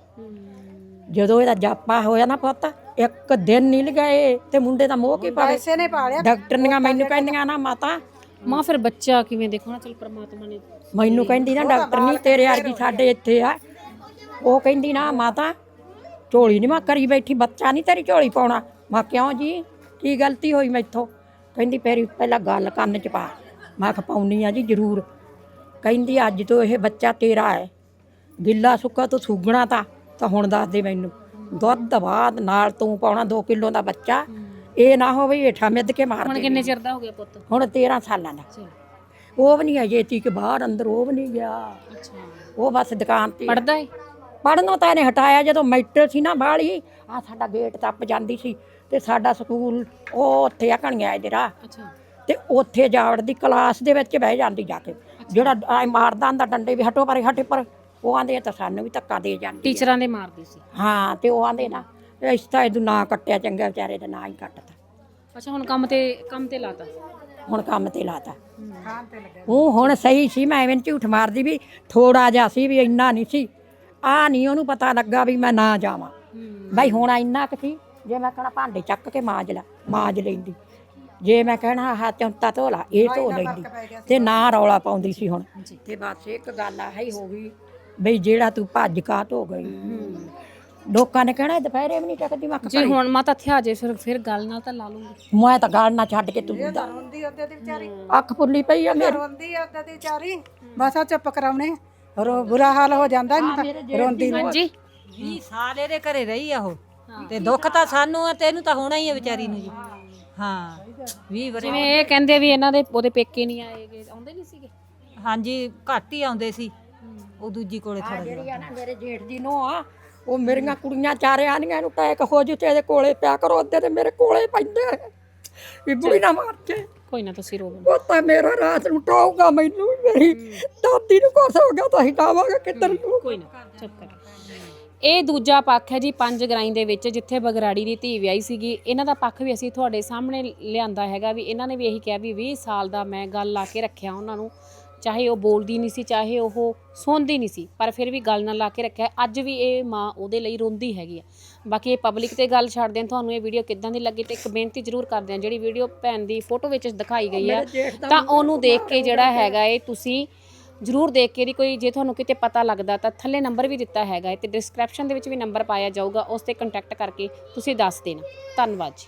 Speaker 6: ਜਦੋਂ ਇਹਦਾ ਜਾਪਾ ਹੋਇਆ ਨਾ ਪੁੱਤ ਇੱਕ ਦਿਨ ਨਹੀਂ ਲਗਾਏ ਤੇ ਮੁੰਡੇ ਦਾ ਮੋਹ ਕੀ ਪਾਵੇ
Speaker 9: ਇਸੇ ਨੇ ਪਾਲਿਆ
Speaker 6: ਡਾਕਟਰਨੀਆਂ ਮੈਨੂੰ ਕਹਿੰਦੀਆਂ ਨਾ ਮਾਤਾ
Speaker 1: ਮਾਂ ਫਿਰ ਬੱਚਾ ਕਿਵੇਂ ਦੇਖੋ ਨਾ ਚਲ ਪ੍ਰਮਾਤਮਾ ਨੇ
Speaker 6: ਮੈਨੂੰ ਕਹਿੰਦੀ ਨਾ ਡਾਕਟਰਨੀ ਤੇਰੇ ਵਰਗੀ ਸਾਡੇ ਇੱਥੇ ਆ ਉਹ ਕਹਿੰਦੀ ਨਾ ਮਾਤਾ ਝੋਲੀ ਨਹੀਂ ਮੈਂ ਕਰੀ ਬੈਠੀ ਬੱਚਾ ਨਹੀਂ ਤੇਰੀ ਝੋਲੀ ਪਾਉਣਾ ਮੈਂ ਕਿਉਂ ਜੀ ਕੀ ਗਲਤੀ ਹੋਈ ਮੈਥੋਂ ਕਹਿੰਦੀ ਪੈਰੀ ਪਹਿਲਾਂ ਗੱਲ ਕੰਨ ਚ ਪਾ ਮੈਂ ਕਿਹਾ ਪਾਉਣੀ ਆ ਜੀ ਜ਼ਰੂਰ ਕਹਿੰਦੀ ਅੱਜ ਤੋਂ ਇਹ ਬੱਚਾ ਤੇਰਾ ਹੈ ਗਿੱਲਾ ਸੁੱਕਾ ਤੂੰ ਸੁਗਣਾ ਤਾਂ ਤਾਂ ਹੁਣ ਦੱਸ ਦੇ ਮੈਨੂੰ ਦੁੱਧ ਬਾਅਦ ਨਾਲ ਤੂੰ ਪਾਉਣਾ ਦੋ ਕਿਲੋ ਦਾ ਬੱਚਾ ਇਹ ਨਾ ਹੋਵੇ ਹੇਠਾਂ ਮਿੱਧ ਕੇ ਮਾਰ
Speaker 1: ਹੁਣ
Speaker 6: ਦੇ
Speaker 1: ਕਿੰਨੇ ਚਿਰ ਦਾ ਹੋ ਗਿਆ ਪੁੱਤ
Speaker 6: ਹੁਣ ਤੇਰਾਂ ਸਾਲਾਂ ਦਾ ਉਹ ਵੀ ਨਹੀਂ ਅਜੇ ਤੀਕ ਬਾਹਰ ਅੰਦਰ ਉਹ ਵੀ ਨਹੀਂ ਗਿਆ ਉਹ ਬਸ ਦੁਕਾਨ ਤੇ
Speaker 1: ਪੜਦਾ ਏ
Speaker 6: ਪੜਨੋਂ ਤਾਂ ਇਹਨੇ ਹਟਾਇਆ ਜਦੋਂ ਮੈਟਰ ਸੀ ਨਾ ਬਾਹਲੀ ਆ ਸਾਡਾ ਗੇਟ ਟੱਪ ਜਾਂਦੀ ਸੀ ਤੇ ਸਾਡਾ ਸਕੂਲ ਉਹ ਉੱਥੇ ਆ ਕਣੀਆਂ ਇਹਦੇ ਰਾਹ
Speaker 1: ਅੱਛਾ
Speaker 6: ਤੇ ਉੱਥੇ ਜਾਵੜ ਦੀ ਕਲਾਸ ਦੇ ਵਿੱਚ ਬਹਿ ਜਾਂਦੀ ਜਾ ਕੇ ਜਿਹੜਾ ਐ ਮਾਰਦਾ ਹੁੰਦਾ ਡੰਡੇ ਵੀ ਹਟੋ ਪਰੇ ਹਟੇ ਪਰ ਉਹ ਆਂਦੇ ਤਾਂ ਸਾਨੂੰ ਵੀ ਧੱਕਾ ਦੇ ਜਾਂਦੀ ਆ।
Speaker 1: ਟੀਚਰਾਂ ਦੇ ਮਾਰਦੀ ਸੀ।
Speaker 6: ਹਾਂ ਤੇ ਉਹ ਆਂਦੇ ਨਾ ਇਸ ਤਾਂ ਇਹਨੂੰ ਨਾ ਕੱਟਿਆ ਚੰਗਾ, ਵਿਚਾਰੇ ਦਾ ਨਾ ਹੀ ਕੱਟਤਾ।
Speaker 1: ਅੱਛਾ ਹੁਣ ਕੰਮ ਤੇ ਕੰਮ ਤੇ ਲਾਤਾ।
Speaker 6: ਹੁਣ ਕੰਮ ਤੇ ਲਾਤਾ। ਉਹ ਹੁਣ ਸਹੀ ਸੀ, ਮੈਂ ਐਵੇਂ ਝੂਠ ਮਾਰਦੀ ਵੀ ਥੋੜਾ ਜਿਹਾ ਸੀ ਵੀ ਇੰਨਾ ਨਹੀਂ ਸੀ। ਆ ਨਹੀਂ ਉਹਨੂੰ ਪਤਾ ਲੱਗਾ ਵੀ ਮੈਂ ਨਾ ਜਾਵਾਂ ਬਈ ਹੁਣ ਇੰਨਾ ਕੁ ਸੀ। ਜੇ ਮੈਂ ਕਹਿਣਾ ਭਾਂਡੇ ਚੱਕ ਕੇ ਮਾਂਜ ਲੈ ਮਾਂਜ ਲੈਂਦੀ, ਜੇ ਮੈਂ ਕਹਿਣਾ ਆਹ ਚੌਂਤਾ ਧੋ ਲਾ ਇਹ ਧੋ ਲੈਂਦੀ ਤੇ ਨਾ ਰੌਲਾ ਪਾਉਂਦੀ ਸੀ। ਹੁਣ ਤੇ ਬਸ ਇੱਕ ਗੱਲ ਆ ਹੀ ਹੋ ਗਈ ਬਈ ਜਿਹੜਾ ਤੂੰ ਭੱਜ ਕਾ ਧੋ ਗਈ। ਲੋਕਾਂ ਨੇ ਕਹਿਣਾ ਦੁਪਹਿਰੇ ਵੀ ਨਹੀਂ ਟਕਦੀ ਮੱਕ
Speaker 1: ਜੇ ਹੁਣ ਮਾਤਾ ਥਿਆ ਜੇ ਫਿਰ ਫਿਰ ਗੱਲ ਨਾਲ ਤਾਂ ਲਾ ਲੂੰਗੀ।
Speaker 6: ਮੈਂ ਤਾਂ ਗੱਲ ਨਾ ਛੱਡ ਕੇ ਤੂੰ
Speaker 9: ਰੋਂਦੀ ਉਹਦੇ ਦੀ ਵਿਚਾਰੀ,
Speaker 6: ਅੱਖ ਫੁੱਲੀ ਪਈ ਆ ਮੇਰੀ।
Speaker 9: ਰੋਂਦੀ ਆ ਉਹਦੇ ਦੀ ਵਿਚਾਰੀ, ਬਸ ਆ ਚੁੱਪ ਕਰਾਉਣੇ ਰੋ ਬੁਰਾ ਹਾਲ ਹੋ ਜਾਂਦਾ ਇਹਨੂੰ ਤਾਂ ਰੋਂਦੀ ਨੂੰ।
Speaker 1: ਹਾਂਜੀ
Speaker 11: ਵੀਹ ਸਾਲ ਇਹਦੇ ਘਰੇ ਰਹੀ ਆ ਉਹ ਤੇ ਦੁੱਖ ਤਾਂ ਸਾਨੂੰ ਆ ਤੇ ਇਹਨੂੰ ਤਾਂ ਹੋਣਾ ਹੀ ਆ ਵਿਚਾਰੀ ਨੂੰ ਜੀ। ਹਾਂ ਵੀਹ ਵਰੇ
Speaker 1: ਜਿਵੇਂ ਇਹ ਕਹਿੰਦੇ ਵੀ ਇਹਨਾਂ ਦੇ ਉਹਦੇ ਪੇਕੇ ਨਹੀਂ ਆਏਗੇ, ਆਉਂਦੇ ਨਹੀਂ ਸੀਗੇ।
Speaker 11: ਹਾਂਜੀ ਘੱਟ ਹੀ ਆਉਂਦੇ ਸੀ, ਉਹ ਦੂਜੀ ਕੋਲੇ ਥੋੜਾ ਜਿਹਾ।
Speaker 6: ਜਿਹੜੀ ਆ ਨਾ ਮੇਰੇ ਜੇਠ ਦੀ ਨੂੰ ਆ, ਉਹ ਮੇਰੀਆਂ ਕੁੜੀਆਂ ਚਾਰੇ ਆਨੀਆਂ ਨੂੰ ਟੈਕ ਹੋ ਜੂ ਤੇ ਇਹਦੇ ਕੋਲੇ ਪਿਆ ਕਰੋ, ਅੱਧੇ ਤੇ ਮੇਰੇ ਕੋਲੇ ਪੈਂਦੇ ਵੀ ਬੁੜੀ ਨਾ ਮਾਰ ਕੇ।
Speaker 1: ਕੋਈ ਨਾ ਤੁਸੀਂ ਰੋ।
Speaker 6: ਉਹ ਤਾਂ ਮੇਰਾ ਰਾਤ ਨੂੰ ਟਾਊਗਾ ਮੈਨੂੰ, ਮੇਰੀ ਦਾਦੀ ਨੂੰ ਕੁਛ ਹੋ ਗਿਆ ਤਾਂ ਅਸੀਂ ਟਾਵਾਂਗੇ ਕਿੱਧਰ ਨੂੰ।
Speaker 1: ਕੋਈ ਨਾ ਚੁੱਪ ਕਰ। ਇਹ ਦੂਜਾ ਪੱਖ ਹੈ ਜੀ ਪੰਜ ਗਰਾਈ ਦੇ ਵਿੱਚ ਜਿੱਥੇ ਬਗਰਾੜੀ ਦੀ ਧੀ ਵਿਆਹੀ ਸੀਗੀ। ਇਹਨਾਂ ਦਾ ਪੱਖ ਵੀ ਅਸੀਂ ਤੁਹਾਡੇ ਸਾਹਮਣੇ ਲਿਆਂਦਾ ਹੈਗਾ ਵੀ ਇਹਨਾਂ ਨੇ ਵੀ ਇਹੀ ਕਿਹਾ ਵੀ ਵੀਹ ਸਾਲ ਦਾ ਮੈਂ ਗੱਲ ਲਾ ਕੇ ਰੱਖਿਆ ਉਹਨਾਂ ਨੂੰ, ਚਾਹੇ ਉਹ ਬੋਲਦੀ ਨਹੀਂ ਸੀ, ਚਾਹੇ ਉਹ ਸੁਣਦੀ ਨਹੀਂ ਸੀ, ਪਰ ਫਿਰ ਵੀ ਗੱਲ ਨਾਲ ਲਾ ਕੇ ਰੱਖਿਆ। ਅੱਜ ਵੀ ਇਹ ਮਾਂ ਉਹਦੇ ਲਈ ਰੋਂਦੀ ਹੈਗੀ ਆ। ਬਾਕੀ ਇਹ ਪਬਲਿਕ ਤੇ ਗੱਲ ਛੱਡਦੇ ਹਾਂ, ਤੁਹਾਨੂੰ ਇਹ ਵੀਡੀਓ ਕਿੱਦਾਂ ਦੀ ਲੱਗੀ ਤੇ ਇੱਕ ਬੇਨਤੀ ਜ਼ਰੂਰ ਕਰਦੇ ਹਾਂ, ਜਿਹੜੀ ਵੀਡੀਓ ਭੈਣ ਦੀ ਫੋਟੋ ਵਿੱਚ ਦਿਖਾਈ ਗਈ ਆ ਤਾਂ ਉਹਨੂੰ ਦੇਖ ਕੇ ਜਿਹੜਾ ਹੈਗਾ ਇਹ ਤੁਸੀਂ ਜ਼ਰੂਰ ਦੇਖ ਕੇ ਦੀ ਕੋਈ ਜੇ ਤੁਹਾਨੂੰ ਕਿਤੇ ਪਤਾ ਲੱਗਦਾ ਤਾਂ ਥੱਲੇ ਨੰਬਰ ਵੀ ਦਿੱਤਾ ਹੈਗਾ ਤੇ ਡਿਸਕ੍ਰਿਪਸ਼ਨ ਦੇ ਵਿੱਚ ਵੀ ਨੰਬਰ ਪਾਇਆ ਜਾਊਗਾ, ਉਸ ਤੇ ਕੰਟੈਕਟ ਕਰਕੇ ਤੁਸੀਂ ਦੱਸ ਦੇਣਾ। ਧੰਨਵਾਦ ਜੀ।